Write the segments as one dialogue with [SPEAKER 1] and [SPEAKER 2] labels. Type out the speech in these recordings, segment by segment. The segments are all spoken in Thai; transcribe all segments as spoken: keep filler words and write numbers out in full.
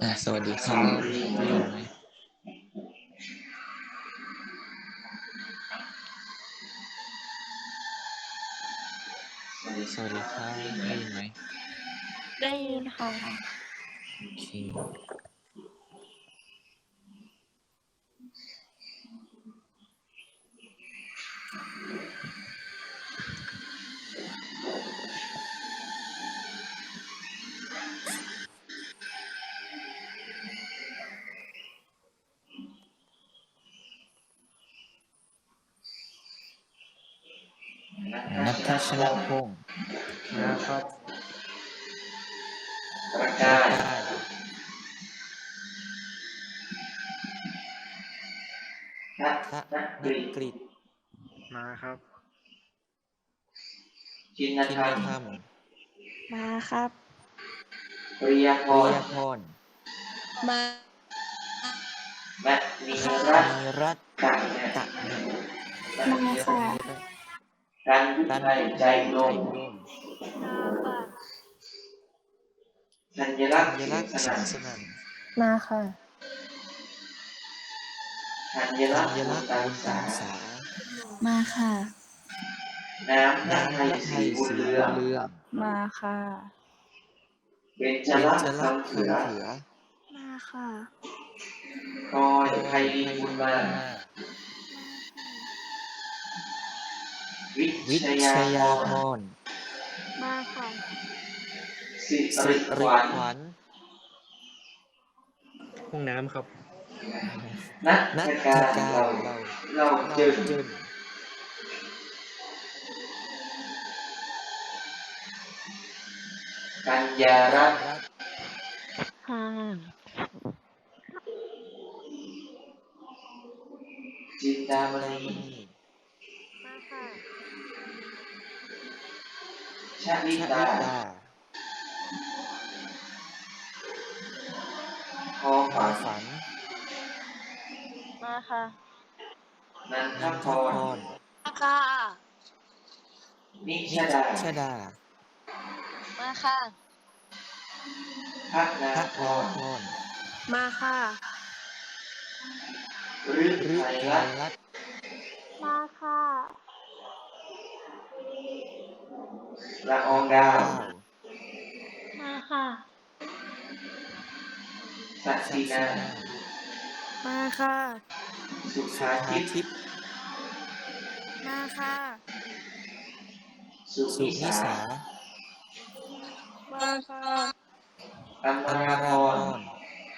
[SPEAKER 1] อ่าสวัสดีครับได้ยินไหมสวัสดีครับได้ยินไหม
[SPEAKER 2] ได้ยินค่ะ
[SPEAKER 1] โอเคนัทชนพงศ์
[SPEAKER 3] นะครับ
[SPEAKER 1] ประกายทะนกฤษ
[SPEAKER 3] มาครับ
[SPEAKER 4] ชิน
[SPEAKER 1] ชิ
[SPEAKER 4] ธรรม
[SPEAKER 1] นธรรม
[SPEAKER 2] มาครับ
[SPEAKER 4] ปริยาพ
[SPEAKER 1] ปริ
[SPEAKER 4] ร
[SPEAKER 1] ยพร
[SPEAKER 2] มา
[SPEAKER 4] และมีรัต
[SPEAKER 1] มีรัต
[SPEAKER 4] กะนะ
[SPEAKER 1] ตะนะ
[SPEAKER 2] มาค่ะ
[SPEAKER 4] รันยุท
[SPEAKER 1] รัน
[SPEAKER 4] ไทย
[SPEAKER 1] ยุไท
[SPEAKER 4] ใจ
[SPEAKER 1] ย
[SPEAKER 4] ล
[SPEAKER 1] ใจ
[SPEAKER 4] ม
[SPEAKER 1] อุดม
[SPEAKER 2] มาค่ะ
[SPEAKER 4] ธัญลั
[SPEAKER 1] ธั
[SPEAKER 4] กษณ์
[SPEAKER 1] ญ
[SPEAKER 4] สิ
[SPEAKER 1] ลั
[SPEAKER 4] ง
[SPEAKER 1] กษณ์
[SPEAKER 4] ส
[SPEAKER 1] สิ
[SPEAKER 4] นั่
[SPEAKER 1] ง
[SPEAKER 4] น
[SPEAKER 1] สนั่น
[SPEAKER 2] มาค่ะ
[SPEAKER 4] ธัญ
[SPEAKER 1] ธั
[SPEAKER 4] ลักษณ์
[SPEAKER 1] ญ
[SPEAKER 4] บุ
[SPEAKER 1] ลั
[SPEAKER 4] ญ
[SPEAKER 1] กษณ์
[SPEAKER 4] ตัน
[SPEAKER 1] บุญตั
[SPEAKER 4] สาน
[SPEAKER 1] สา
[SPEAKER 2] มาค่ะ
[SPEAKER 4] น้ำพระไท
[SPEAKER 1] น้ำ
[SPEAKER 4] ย
[SPEAKER 1] พระไท
[SPEAKER 4] ศรี
[SPEAKER 1] ย
[SPEAKER 4] บุ
[SPEAKER 1] ศ
[SPEAKER 4] ญ
[SPEAKER 1] รี
[SPEAKER 4] เรื
[SPEAKER 1] บุ
[SPEAKER 4] อง
[SPEAKER 1] ญเรือง
[SPEAKER 2] มาค่ะ
[SPEAKER 4] เบญจ
[SPEAKER 1] เบญ
[SPEAKER 4] ลักษ
[SPEAKER 1] จ
[SPEAKER 4] ณ์
[SPEAKER 1] ลักษณ์
[SPEAKER 4] คำเขือ
[SPEAKER 1] คำเขือ
[SPEAKER 2] มาค่ะ
[SPEAKER 4] พลอ
[SPEAKER 1] พ
[SPEAKER 4] ย
[SPEAKER 1] ล
[SPEAKER 4] ไพ
[SPEAKER 1] อย
[SPEAKER 4] ลิ
[SPEAKER 1] ไพ
[SPEAKER 4] นบุญ
[SPEAKER 1] ลิน
[SPEAKER 4] มา
[SPEAKER 1] บุญมา
[SPEAKER 4] วิ
[SPEAKER 1] วิ
[SPEAKER 4] ช
[SPEAKER 1] ช
[SPEAKER 4] ยาพ
[SPEAKER 1] ยาร พร
[SPEAKER 2] มาค่ะ
[SPEAKER 4] สิ
[SPEAKER 1] สิ
[SPEAKER 4] ริ ข
[SPEAKER 1] ริ
[SPEAKER 4] วัญ
[SPEAKER 1] ขวัญ
[SPEAKER 3] ห้องน้ำครับ
[SPEAKER 4] นัท
[SPEAKER 1] นั
[SPEAKER 4] ก
[SPEAKER 1] ฐ
[SPEAKER 4] การ
[SPEAKER 1] กา
[SPEAKER 4] เรา
[SPEAKER 1] รเรา
[SPEAKER 4] เรา
[SPEAKER 1] เล่า
[SPEAKER 4] จึง
[SPEAKER 1] จึน
[SPEAKER 4] กัญ
[SPEAKER 1] กั
[SPEAKER 4] ญา
[SPEAKER 1] ญ
[SPEAKER 4] รั
[SPEAKER 1] ญา
[SPEAKER 4] ตน์
[SPEAKER 1] รัตน์
[SPEAKER 2] ค่ะ
[SPEAKER 4] จินดา
[SPEAKER 1] จิน
[SPEAKER 4] ม
[SPEAKER 1] ดา
[SPEAKER 4] ณี
[SPEAKER 1] มณี
[SPEAKER 2] มาค่ะ
[SPEAKER 4] ชลิ
[SPEAKER 1] ช
[SPEAKER 4] ตา
[SPEAKER 1] ลิตา
[SPEAKER 4] ทอ
[SPEAKER 1] ท
[SPEAKER 4] ฝัน
[SPEAKER 1] ฝัน
[SPEAKER 2] มาค่ะ
[SPEAKER 4] นันท
[SPEAKER 1] นัน
[SPEAKER 4] พ
[SPEAKER 1] ทพ
[SPEAKER 4] ร
[SPEAKER 1] ร
[SPEAKER 2] มาค่ะ
[SPEAKER 4] นิ
[SPEAKER 1] นิ
[SPEAKER 4] ชดา
[SPEAKER 1] ชดา
[SPEAKER 2] มาค่ะ
[SPEAKER 4] พักนา
[SPEAKER 1] พระ
[SPEAKER 4] พ
[SPEAKER 1] นาร พร
[SPEAKER 2] มาค่ะ
[SPEAKER 4] ฤ
[SPEAKER 1] ฤ
[SPEAKER 4] ทัย
[SPEAKER 1] ทั
[SPEAKER 4] รั
[SPEAKER 1] ย
[SPEAKER 4] ตน์
[SPEAKER 1] รัตน์
[SPEAKER 2] มาค่ะ
[SPEAKER 4] ละออ
[SPEAKER 1] ละ
[SPEAKER 4] ง
[SPEAKER 1] ออ
[SPEAKER 4] ดาง ว
[SPEAKER 1] ดาว
[SPEAKER 2] มาค่ะ
[SPEAKER 4] สั
[SPEAKER 1] ส
[SPEAKER 4] สิ
[SPEAKER 1] สิ
[SPEAKER 4] นา
[SPEAKER 1] นา
[SPEAKER 2] มาค่ะ
[SPEAKER 4] สุ
[SPEAKER 1] สุ
[SPEAKER 4] ภา
[SPEAKER 1] ภา
[SPEAKER 4] ทิพย์
[SPEAKER 1] ทิพย์
[SPEAKER 2] มาค่ะ
[SPEAKER 4] สุ
[SPEAKER 1] สุ
[SPEAKER 4] นิ
[SPEAKER 1] นิ
[SPEAKER 4] สา
[SPEAKER 1] สา
[SPEAKER 2] มาค่ะ
[SPEAKER 4] อัม
[SPEAKER 1] อัม
[SPEAKER 4] รา
[SPEAKER 1] รา
[SPEAKER 4] พ
[SPEAKER 1] พ
[SPEAKER 4] ร
[SPEAKER 1] ร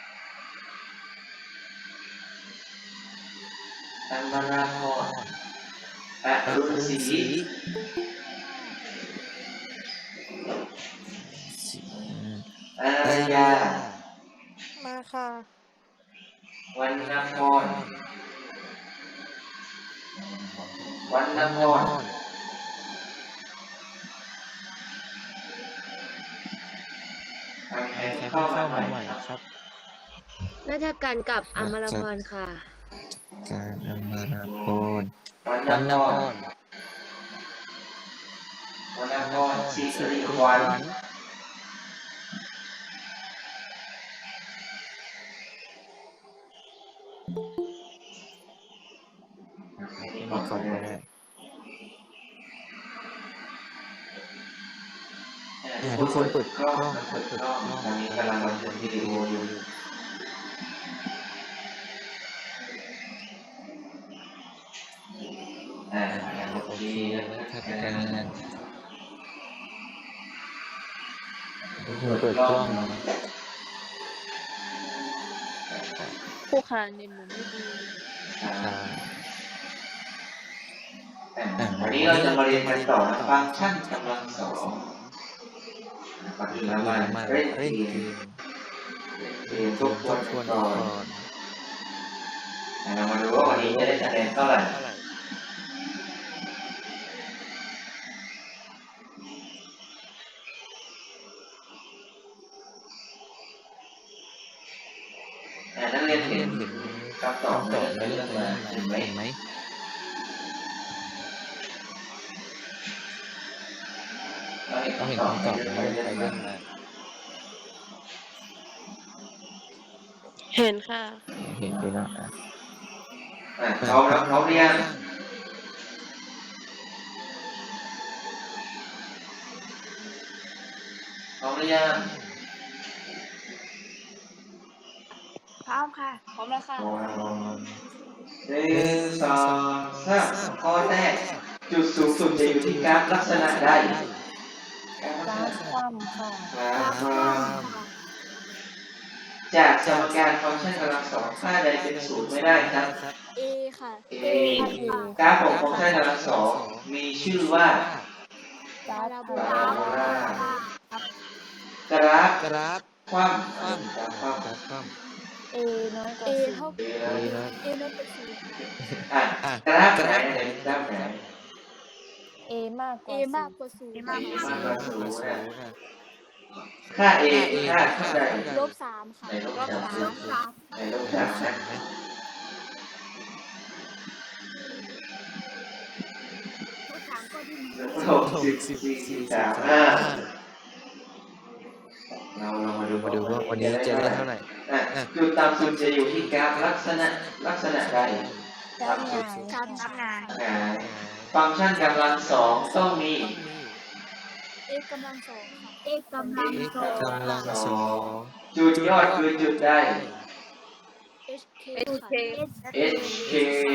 [SPEAKER 4] อัม
[SPEAKER 1] อัม
[SPEAKER 4] รา
[SPEAKER 1] รา
[SPEAKER 4] พ
[SPEAKER 1] พ
[SPEAKER 4] ร
[SPEAKER 1] ร
[SPEAKER 4] อ
[SPEAKER 1] อ
[SPEAKER 4] รุณ
[SPEAKER 1] รุ
[SPEAKER 4] ศ
[SPEAKER 1] ณ
[SPEAKER 4] รี
[SPEAKER 1] ศรี สิ
[SPEAKER 4] อาร
[SPEAKER 1] อาร
[SPEAKER 4] ยา
[SPEAKER 1] ยา
[SPEAKER 2] มาค่ะ
[SPEAKER 4] วรร
[SPEAKER 1] วร
[SPEAKER 4] ณ
[SPEAKER 1] ร
[SPEAKER 4] พ
[SPEAKER 1] ณ
[SPEAKER 4] ร
[SPEAKER 1] พร
[SPEAKER 4] วรรณ
[SPEAKER 1] วรร
[SPEAKER 4] พ
[SPEAKER 1] ณพ
[SPEAKER 4] ร
[SPEAKER 1] ร
[SPEAKER 4] ใคร
[SPEAKER 1] ใคร
[SPEAKER 4] ๆ
[SPEAKER 1] ใคร
[SPEAKER 4] เพิ่
[SPEAKER 1] เพิ่
[SPEAKER 4] ง
[SPEAKER 1] ง
[SPEAKER 4] เข้า
[SPEAKER 1] เข้า
[SPEAKER 4] มา
[SPEAKER 1] มา
[SPEAKER 4] ให
[SPEAKER 1] ให
[SPEAKER 4] ม่
[SPEAKER 1] ม่
[SPEAKER 4] ครับ
[SPEAKER 1] ครับ
[SPEAKER 5] ราชการกับอมร
[SPEAKER 1] จั
[SPEAKER 5] พ
[SPEAKER 1] ด
[SPEAKER 5] รค่ะ
[SPEAKER 1] การอมราพร
[SPEAKER 4] วรร
[SPEAKER 1] วร
[SPEAKER 4] ณ
[SPEAKER 1] ร
[SPEAKER 4] พ
[SPEAKER 1] ณพ
[SPEAKER 4] ร
[SPEAKER 1] ร
[SPEAKER 4] วรรณ
[SPEAKER 1] วรร
[SPEAKER 4] พ
[SPEAKER 1] ณพ
[SPEAKER 4] ร
[SPEAKER 1] ร
[SPEAKER 4] สิ
[SPEAKER 1] สิ
[SPEAKER 4] ริ
[SPEAKER 1] ริ
[SPEAKER 4] ขวั
[SPEAKER 1] ข
[SPEAKER 4] ญ
[SPEAKER 1] วัญ ไม่มีกล่องก็ได้ อ่า ทุกคนเปิดกล้องนะครับ เปิดกล้อง
[SPEAKER 4] ตอนนี้
[SPEAKER 1] ตอน
[SPEAKER 4] กำ
[SPEAKER 1] นี้
[SPEAKER 4] ลัง
[SPEAKER 1] กำ
[SPEAKER 4] บั
[SPEAKER 1] ลั
[SPEAKER 4] น
[SPEAKER 1] ง
[SPEAKER 4] ทึ
[SPEAKER 1] บั
[SPEAKER 4] ก
[SPEAKER 1] นทึ
[SPEAKER 4] วิ
[SPEAKER 1] ก
[SPEAKER 4] ดี
[SPEAKER 1] วิ
[SPEAKER 4] โอ
[SPEAKER 1] ดีโอ
[SPEAKER 4] อยู่
[SPEAKER 1] อยู่
[SPEAKER 4] อ่า
[SPEAKER 1] อ่า
[SPEAKER 4] โอ
[SPEAKER 1] โอ
[SPEAKER 4] เค
[SPEAKER 1] เค
[SPEAKER 4] นะ
[SPEAKER 1] นั
[SPEAKER 4] ค
[SPEAKER 1] ฐ
[SPEAKER 4] รับ
[SPEAKER 1] การ ทุกคน
[SPEAKER 4] เปิด
[SPEAKER 1] เปิด
[SPEAKER 4] กล้
[SPEAKER 1] ก
[SPEAKER 4] อ
[SPEAKER 1] ล้
[SPEAKER 4] ง
[SPEAKER 1] อง
[SPEAKER 4] นะ
[SPEAKER 1] นะ
[SPEAKER 2] ครูค่ะเน็ตหนูไม่ดี
[SPEAKER 4] ครับ
[SPEAKER 1] อ่า
[SPEAKER 4] อ่า
[SPEAKER 1] อ่า
[SPEAKER 4] วันนี้
[SPEAKER 1] วัน
[SPEAKER 4] เรา
[SPEAKER 1] นี้
[SPEAKER 4] จะ
[SPEAKER 1] เรา
[SPEAKER 4] มา
[SPEAKER 1] จะ
[SPEAKER 4] เรียน
[SPEAKER 1] มา
[SPEAKER 4] กัน
[SPEAKER 1] เรียน
[SPEAKER 4] ต่อ
[SPEAKER 1] กัน
[SPEAKER 4] นะ
[SPEAKER 1] ต่อ
[SPEAKER 4] ฟัง
[SPEAKER 1] นะ
[SPEAKER 4] ก์
[SPEAKER 1] ฟั
[SPEAKER 4] ชั
[SPEAKER 1] ง
[SPEAKER 4] น
[SPEAKER 1] ก์ชัน
[SPEAKER 4] กำลัง
[SPEAKER 1] กำ
[SPEAKER 4] ส
[SPEAKER 1] ลั
[SPEAKER 4] อง
[SPEAKER 1] สอง
[SPEAKER 4] ก่อนอื่น
[SPEAKER 1] ก่อ
[SPEAKER 4] เรา
[SPEAKER 1] นอื่
[SPEAKER 4] มาน
[SPEAKER 1] เรามา
[SPEAKER 4] เล่น
[SPEAKER 1] เล่น
[SPEAKER 4] เก
[SPEAKER 1] เก
[SPEAKER 4] ม
[SPEAKER 1] ม
[SPEAKER 4] เก
[SPEAKER 1] เล่น
[SPEAKER 4] ม
[SPEAKER 1] เก
[SPEAKER 4] ทบ
[SPEAKER 1] ม
[SPEAKER 4] ท
[SPEAKER 1] ท
[SPEAKER 4] วน
[SPEAKER 1] บทวน
[SPEAKER 4] ก่
[SPEAKER 1] กัน
[SPEAKER 4] อน
[SPEAKER 1] ก่อน
[SPEAKER 4] อ่าเรามาดู
[SPEAKER 1] เรา
[SPEAKER 4] ว่า
[SPEAKER 1] มา
[SPEAKER 4] วัน
[SPEAKER 1] ดู
[SPEAKER 4] นี้
[SPEAKER 1] ว่า
[SPEAKER 4] จะ
[SPEAKER 1] วั
[SPEAKER 4] ได้
[SPEAKER 1] นนี้
[SPEAKER 4] คะแน
[SPEAKER 1] ได้
[SPEAKER 4] น
[SPEAKER 1] คะ
[SPEAKER 4] เท่า
[SPEAKER 1] แน
[SPEAKER 4] ไหร่
[SPEAKER 1] นเท่าไหร่
[SPEAKER 4] อ่านัก
[SPEAKER 1] อ่า
[SPEAKER 4] เรียน
[SPEAKER 1] นัก
[SPEAKER 4] เห็
[SPEAKER 1] เรี
[SPEAKER 4] น
[SPEAKER 1] ยนเห็น
[SPEAKER 4] คำตอบ
[SPEAKER 1] คำ
[SPEAKER 4] ใน
[SPEAKER 1] ตอบ
[SPEAKER 4] เรื่
[SPEAKER 1] ในเรื่
[SPEAKER 4] อ
[SPEAKER 1] อง ง
[SPEAKER 4] ไป
[SPEAKER 1] ไป
[SPEAKER 4] เรื่
[SPEAKER 1] เรื่
[SPEAKER 4] อ
[SPEAKER 1] อง
[SPEAKER 4] ง
[SPEAKER 1] มา
[SPEAKER 4] มา
[SPEAKER 1] เห็นไหม
[SPEAKER 4] เราเห็น
[SPEAKER 1] เราเห็น
[SPEAKER 4] คำตอบ
[SPEAKER 1] คำ
[SPEAKER 4] ใน
[SPEAKER 1] ตอบ
[SPEAKER 4] เรื่อ
[SPEAKER 1] ใน
[SPEAKER 4] งไป
[SPEAKER 1] เรื่อง
[SPEAKER 4] เรื่
[SPEAKER 1] ไป
[SPEAKER 4] อง
[SPEAKER 1] เรื่
[SPEAKER 4] มา
[SPEAKER 1] องมา
[SPEAKER 2] เห็นค่ะ
[SPEAKER 1] เห็นพี่น้องอ่ะ
[SPEAKER 4] อ่ะพร้อมแล้วพร้อมหรือยังพร้อมหรือยัง
[SPEAKER 2] พร้อมค่ะ พร้อมแล้วค่ะ
[SPEAKER 4] พร้อมพร้อมหนึ่งสองสามข้อแรกจุดสูงสุดจะอยู่ที่กราฟลักษณะใดกราฟลักษณะ
[SPEAKER 2] ความค่ะ
[SPEAKER 4] กราฟความจากสมการฟังก์ชันกำลังสองค่าใดเป็นศูนย์ไม่ได้ครับ
[SPEAKER 2] A ค่ะ
[SPEAKER 4] A กราฟของฟังก์ชันกำลังสองมีชื่อว่าก
[SPEAKER 2] ราฟ
[SPEAKER 4] ปาราโบลากราฟ
[SPEAKER 1] กราฟ
[SPEAKER 4] คว่ำ
[SPEAKER 1] คว่ำ
[SPEAKER 4] กราฟคว่ำ
[SPEAKER 1] กราฟคว่
[SPEAKER 2] A น้อยกว่า A เท่า
[SPEAKER 4] เอ
[SPEAKER 1] ำ
[SPEAKER 4] อ
[SPEAKER 1] ดีนะ
[SPEAKER 2] A น้อยกว่าศูนย์
[SPEAKER 4] อ่ะกราฟไหนไหนกราฟไหน
[SPEAKER 2] A มากกว่า A มากกว่าศูนย์
[SPEAKER 4] A มากกว่าศูนย์
[SPEAKER 1] ศู
[SPEAKER 4] นะ
[SPEAKER 1] นย์อ่ะ
[SPEAKER 4] ค่า A ค่าเท่าใด
[SPEAKER 2] ลบสามค่ะ
[SPEAKER 4] ในลบสามในลบสามนะหกสิบสี่สิบสามอ่าเราเรามาดู
[SPEAKER 1] มาดูว่าวันนี้จะได้เท่าไหร่
[SPEAKER 4] อ่ะจุดต่ำสุดจะอยู่ที่กราฟลักษณะลักษณะใด
[SPEAKER 2] กราฟไงกราฟไง
[SPEAKER 4] หงายฟังก์ชันกำลังสองต้องมี
[SPEAKER 2] A กำลังสองค่ะ A กำ
[SPEAKER 4] x
[SPEAKER 2] ลัง
[SPEAKER 1] กำลังสอง
[SPEAKER 4] จุดยอดคือจุดใด
[SPEAKER 2] H K ค่ะ
[SPEAKER 4] hk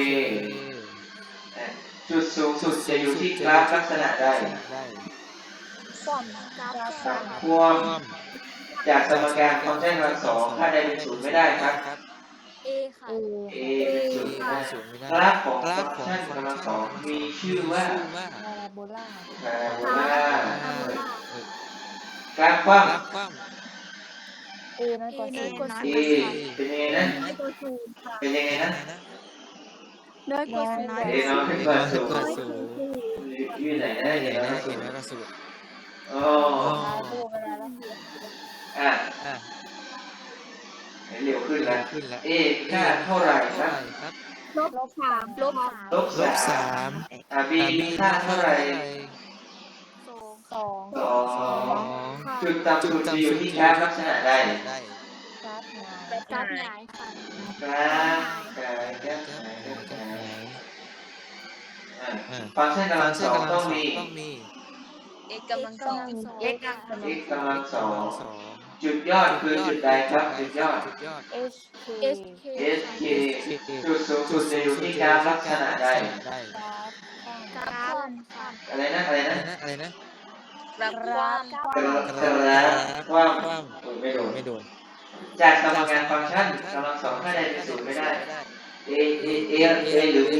[SPEAKER 4] อ่ะจุดสูงสุดจะอยู่ที่กราฟลักษณะใด
[SPEAKER 2] ความกราฟ
[SPEAKER 4] สังความจากสมการฟังก์ชันกำลังสองค่าใดเป็นศูนย์ไม่ได้ครับ
[SPEAKER 2] A ค่ะ
[SPEAKER 4] a เป็นศูนย์ไม่ได้
[SPEAKER 1] ศูนย์ไม่ได้
[SPEAKER 4] กราฟของฟังก์ชันกำลังสองมีชื่อว่า
[SPEAKER 2] พาราโบลา
[SPEAKER 4] พาราโบลา
[SPEAKER 1] เออก
[SPEAKER 4] ราฟกว้าง
[SPEAKER 1] กราฟคว่
[SPEAKER 2] A น้อยกว่าศูนย์
[SPEAKER 4] a เป็นยังไงนะ
[SPEAKER 2] น้อยกว่าศูนย์ค่ะ
[SPEAKER 4] เป็นยังไงนะ
[SPEAKER 2] น้อยกว่าศูนย์
[SPEAKER 4] a น้อยกว่าศูน
[SPEAKER 1] ำกว่า
[SPEAKER 4] ย์
[SPEAKER 1] ศูนย์
[SPEAKER 4] อยู่ไหนได้
[SPEAKER 1] ได้
[SPEAKER 4] เห็น
[SPEAKER 1] ไหน
[SPEAKER 4] ไหม
[SPEAKER 1] นะเห็นไหมกระสุน
[SPEAKER 4] อ๋อ
[SPEAKER 2] พูดไปแล้ว
[SPEAKER 4] อ่ะ
[SPEAKER 1] อ่ะ
[SPEAKER 4] เร็วขึ้นแล้ว
[SPEAKER 1] ขึ้นแล้ว
[SPEAKER 4] a ค่าเท่าไหร่ค
[SPEAKER 1] เท่า
[SPEAKER 4] รับ
[SPEAKER 1] ไหร่ครับ
[SPEAKER 2] ลบสามลบ
[SPEAKER 4] ลบ
[SPEAKER 1] ลบ
[SPEAKER 4] สา
[SPEAKER 1] สาม ม
[SPEAKER 4] อ่ะ b มีค่าเท่าไหร่
[SPEAKER 2] สองสอง
[SPEAKER 4] สอง
[SPEAKER 1] สอง
[SPEAKER 4] จุดต่ำสุดจะอยู่ที่กราฟลักษณะใด
[SPEAKER 1] ได้
[SPEAKER 2] กราฟหงายกราฟหงายค่ะ
[SPEAKER 4] กราฟกราฟกราฟ
[SPEAKER 1] แก้
[SPEAKER 4] ไหน
[SPEAKER 1] ไหน
[SPEAKER 4] กราฟ
[SPEAKER 1] แก้
[SPEAKER 4] ไหน
[SPEAKER 1] ไหน
[SPEAKER 4] อ่ะ
[SPEAKER 1] อ่ะ
[SPEAKER 4] ฟังก์ชันกำลังสองต้องมี
[SPEAKER 1] ต้องมี
[SPEAKER 2] x กำลังสอง x กำลัง
[SPEAKER 4] x กำลังสอง
[SPEAKER 1] สอง
[SPEAKER 4] จุดยอดคือจุดใดครับจุดยอด
[SPEAKER 1] จุดยอด
[SPEAKER 2] h k
[SPEAKER 4] sk จุดสูงสุดจะอยู่ที่กราฟลักษณะใด
[SPEAKER 1] ได้
[SPEAKER 2] กราฟกราฟค่ะ
[SPEAKER 4] อะไรนะอะไร
[SPEAKER 1] อะไร
[SPEAKER 4] นะ
[SPEAKER 1] นะอะไรนะ
[SPEAKER 2] กราฟกราฟ
[SPEAKER 4] กราฟกราฟว่า
[SPEAKER 1] คว่
[SPEAKER 4] โอ้ยไม่โดน
[SPEAKER 1] ำไม่โดน
[SPEAKER 4] จากสมการฟังก์ชันกำลังสองค่าใดเป็นศูนย์ไม่ได้ a a a a หรือ b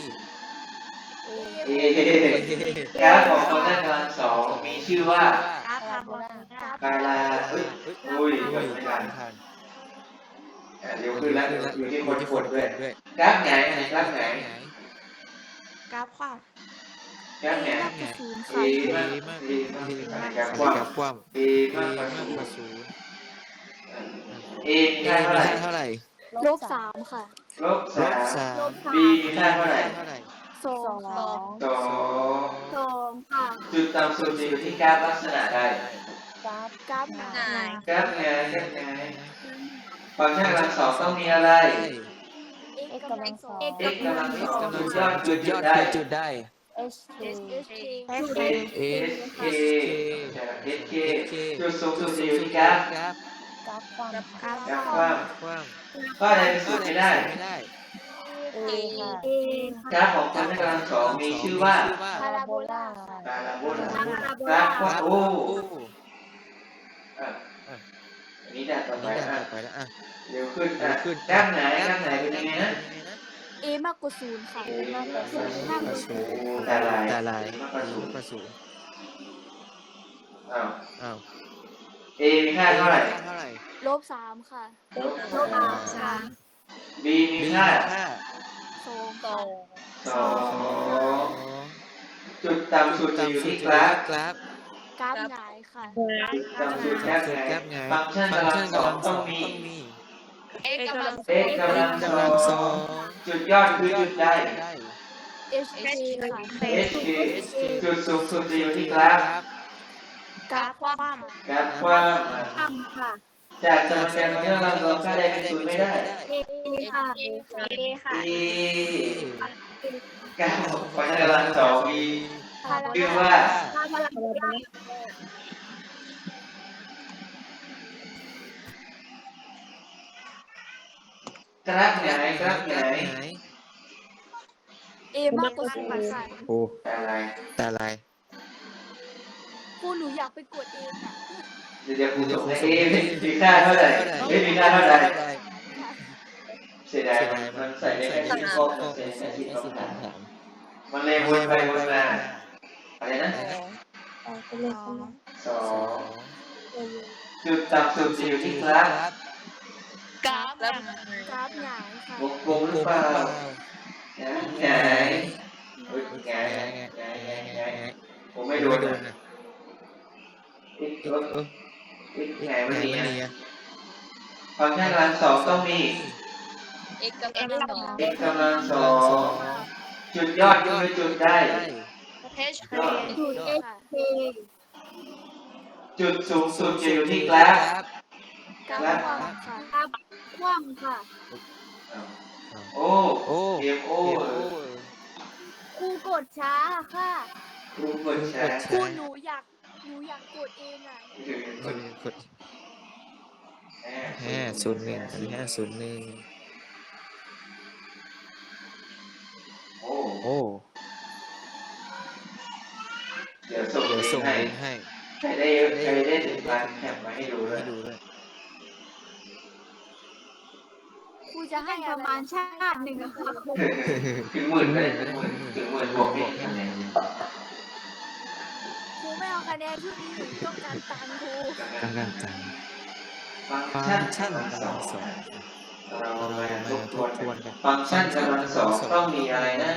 [SPEAKER 4] a กราฟของฟังก์ชันกำลังสองมีชื่อว่าก
[SPEAKER 2] ราฟพาโบลา
[SPEAKER 4] พาราเอ้ยอุ้ยเกิดไม่ทัน
[SPEAKER 1] ทัน
[SPEAKER 4] อ่ะเร็วขึ้นแล้วอยู่ที่คนกดด้วย
[SPEAKER 1] ด้วย
[SPEAKER 4] กราฟไหนไหนกราฟไหน
[SPEAKER 2] กราฟความ
[SPEAKER 4] กราฟไหน
[SPEAKER 2] มากกว่าศูนย์
[SPEAKER 4] a
[SPEAKER 2] ค่ะ
[SPEAKER 4] มาก a มากไหนกราฟ
[SPEAKER 1] ก
[SPEAKER 4] กว้าง
[SPEAKER 1] ราฟความ
[SPEAKER 4] a มากกว่า
[SPEAKER 1] มาก
[SPEAKER 4] ศู
[SPEAKER 1] กว่าน
[SPEAKER 4] ย์
[SPEAKER 1] ศูนย์
[SPEAKER 4] a มีค่าเท่าไหร่
[SPEAKER 1] เท่าไหร่
[SPEAKER 2] ลบสามค่ะ
[SPEAKER 4] ลบ
[SPEAKER 1] ล
[SPEAKER 4] สา
[SPEAKER 1] บ
[SPEAKER 4] ม
[SPEAKER 1] สาม
[SPEAKER 4] b มีค่าเท่าไหร่
[SPEAKER 1] เท่าไหร่
[SPEAKER 2] สองสอง
[SPEAKER 4] สอง
[SPEAKER 2] สองค่ะ
[SPEAKER 4] จุดต่ำสุดจะอยู่ที่กราฟลักษณะใด
[SPEAKER 2] กราฟกราฟหงาย
[SPEAKER 4] กราฟไงกราฟไงฟังก์ชันกำลังสองต้องมีอะไร
[SPEAKER 2] x กำลังสอง
[SPEAKER 4] x กำลังสอง
[SPEAKER 1] กำลั
[SPEAKER 4] จุ
[SPEAKER 1] ง
[SPEAKER 4] ด
[SPEAKER 1] ส
[SPEAKER 4] ย
[SPEAKER 1] อ
[SPEAKER 4] อง ด
[SPEAKER 1] จุ
[SPEAKER 4] คือ
[SPEAKER 1] ดย
[SPEAKER 4] จุ
[SPEAKER 1] อ
[SPEAKER 4] ด
[SPEAKER 1] ด
[SPEAKER 4] ได้
[SPEAKER 1] คือจุดได้
[SPEAKER 2] h k h k
[SPEAKER 1] S
[SPEAKER 4] h
[SPEAKER 1] K
[SPEAKER 4] k จุดสูงสุดจะอยู่ที่กราฟ
[SPEAKER 1] กราฟ
[SPEAKER 2] กราฟความกราฟ
[SPEAKER 4] กราฟกว้าง
[SPEAKER 1] กว้าง
[SPEAKER 4] ก็ใดเป็นศูนย์ไม่ได้
[SPEAKER 1] ไม่ได้
[SPEAKER 2] A ค่ะ A
[SPEAKER 4] กราฟของฟังก์ชันกำลังสองมีชื่อว่า
[SPEAKER 2] พาราโบลา
[SPEAKER 4] ปาราโบลากราฟกว้างโอ้อ่ะอันนี้ได้ต่อไป
[SPEAKER 1] นี่ได้
[SPEAKER 4] อ่ะ
[SPEAKER 1] ต่อไปแล้วอ่ะ
[SPEAKER 4] เร็วขึ้นอ่ะกราฟไหนกราฟไหนเป็นยังไงนะ
[SPEAKER 2] A มากกว่าศูนย์ค่ะ
[SPEAKER 4] A มากกว่าศูนย์
[SPEAKER 2] มากกว่าศูนย์
[SPEAKER 4] โอ้ตาลาย
[SPEAKER 1] ตาลาย
[SPEAKER 4] มากกว่าศู
[SPEAKER 1] มาน ก
[SPEAKER 4] ย์
[SPEAKER 1] กว่าศูนย์
[SPEAKER 4] อ้าว
[SPEAKER 1] อ้าว
[SPEAKER 4] A มีค่าเท่าไหร่
[SPEAKER 1] เท่าไหร่
[SPEAKER 2] ลบสามค่ะ
[SPEAKER 4] ลบ
[SPEAKER 2] ลบสาม
[SPEAKER 4] B มีค่า
[SPEAKER 1] ค่า
[SPEAKER 2] สองสอง
[SPEAKER 4] สองจุดต่ำสุดจะอยู่ที่กราฟ
[SPEAKER 1] กราฟ
[SPEAKER 2] กราฟหงายค่ะ
[SPEAKER 4] ต่ำสุดกราฟ
[SPEAKER 1] สุด
[SPEAKER 4] ไง
[SPEAKER 1] กราฟไง
[SPEAKER 4] ฟังก์ชันกำลังสองต้องมี
[SPEAKER 2] x กำลัง
[SPEAKER 4] x กำลังส
[SPEAKER 1] กำลังส
[SPEAKER 4] อ
[SPEAKER 1] อง ง
[SPEAKER 4] จุดยอดคือจุดใด
[SPEAKER 2] h k ค่ะ
[SPEAKER 4] h k จุดสูงสุดจะอยู่ที่กราฟ
[SPEAKER 2] กราฟความ
[SPEAKER 4] กราฟกว้าง
[SPEAKER 2] ต่ำค่ะ
[SPEAKER 4] กจากสมการของกำลังสองค่าใดเป็นศูนย์ไม่ได้
[SPEAKER 2] เอค่ะเอค่ะเอค่ะ
[SPEAKER 4] e เก้าของกำลังสองมี
[SPEAKER 2] พารา
[SPEAKER 4] ชื่อว่า
[SPEAKER 2] พาพลังงาน
[SPEAKER 4] กราฟไหนกราฟไหน
[SPEAKER 2] เอมากกว่าศูนย์ค่ะ
[SPEAKER 1] ครู
[SPEAKER 4] แต่อะไร
[SPEAKER 1] แต่อะไร
[SPEAKER 2] ครูหนูอยากไปกดเองอ่ะ
[SPEAKER 4] เดี๋ยวเดี๋ยวครูส่งให้ a มีค่าเท่าไหร่ไม่มีค่าเท่าไหร่เสียดายมันมันใส่ได้แค่ที่ข้อมันใส่ได้แค่ที่คำถามมันเลยวนไปวนมาอะไรนะ
[SPEAKER 2] เป็นเลขสอง
[SPEAKER 4] สองจุดต่ำสุดจะอยู่ที่กราฟ
[SPEAKER 2] กราฟแล้วกราฟหงายค่ะ
[SPEAKER 4] วงกลมหรือเปล่านะไงเฮ้ยไงไงไงไงไงผมไม่โดนนะอีกเอออีกไงไม่ดีนะฟังก์ชันกำลังสองต้องมี
[SPEAKER 2] เอกกำลังสอง
[SPEAKER 4] x กำลังสองจุดยอดคือจุดได้
[SPEAKER 2] เอชเคจุดเอชเค
[SPEAKER 4] จุดสูงสุดจะอยู่ที่กราฟ
[SPEAKER 2] กราฟความค่ะกราฟความค่ะ
[SPEAKER 4] โอ้
[SPEAKER 1] โอ้
[SPEAKER 4] เกมโอ
[SPEAKER 2] ครูกดช้าค่ะ
[SPEAKER 4] ครูกดแชร์
[SPEAKER 2] ครูหนูอยากหนูอยากกดเองอ่ะ
[SPEAKER 1] กดกดห้าศูนย์หนึ่งอันนี้ห้าศูนย์หนึ่ง
[SPEAKER 4] โอ้
[SPEAKER 1] โอ้
[SPEAKER 4] เดี๋ยวส่ง
[SPEAKER 1] เดี๋ยวส่ง
[SPEAKER 4] ให้
[SPEAKER 1] ลิงก์ให้
[SPEAKER 4] ใครได้ใครได้ถึงพันแคปมาให้ดูด้ว
[SPEAKER 1] ให้
[SPEAKER 4] ย
[SPEAKER 1] ดูด้วย
[SPEAKER 2] ครูจะให้ประมาณชาติหนึ่งอะค่ะ
[SPEAKER 4] ถึงหมื่นเลยถึงหมื่นถึงหมื่นบวกอีกคะแนน
[SPEAKER 2] ครูไม่เอาคะแนนที่นี้หนูต้องการตังค์ครู
[SPEAKER 1] กำลังจัง
[SPEAKER 4] ฟัง
[SPEAKER 1] ฟั
[SPEAKER 4] ก์ชัน
[SPEAKER 1] งก์ชัน
[SPEAKER 4] กำลัง
[SPEAKER 1] กำ
[SPEAKER 4] ส
[SPEAKER 1] ลั
[SPEAKER 4] อง
[SPEAKER 1] งสอง
[SPEAKER 4] เรา
[SPEAKER 1] เรา
[SPEAKER 4] มา
[SPEAKER 1] มา
[SPEAKER 4] ทบทวน
[SPEAKER 1] ทวนกัน
[SPEAKER 4] ฟังก์ชันกำลังสองต้องมีอะไรนะ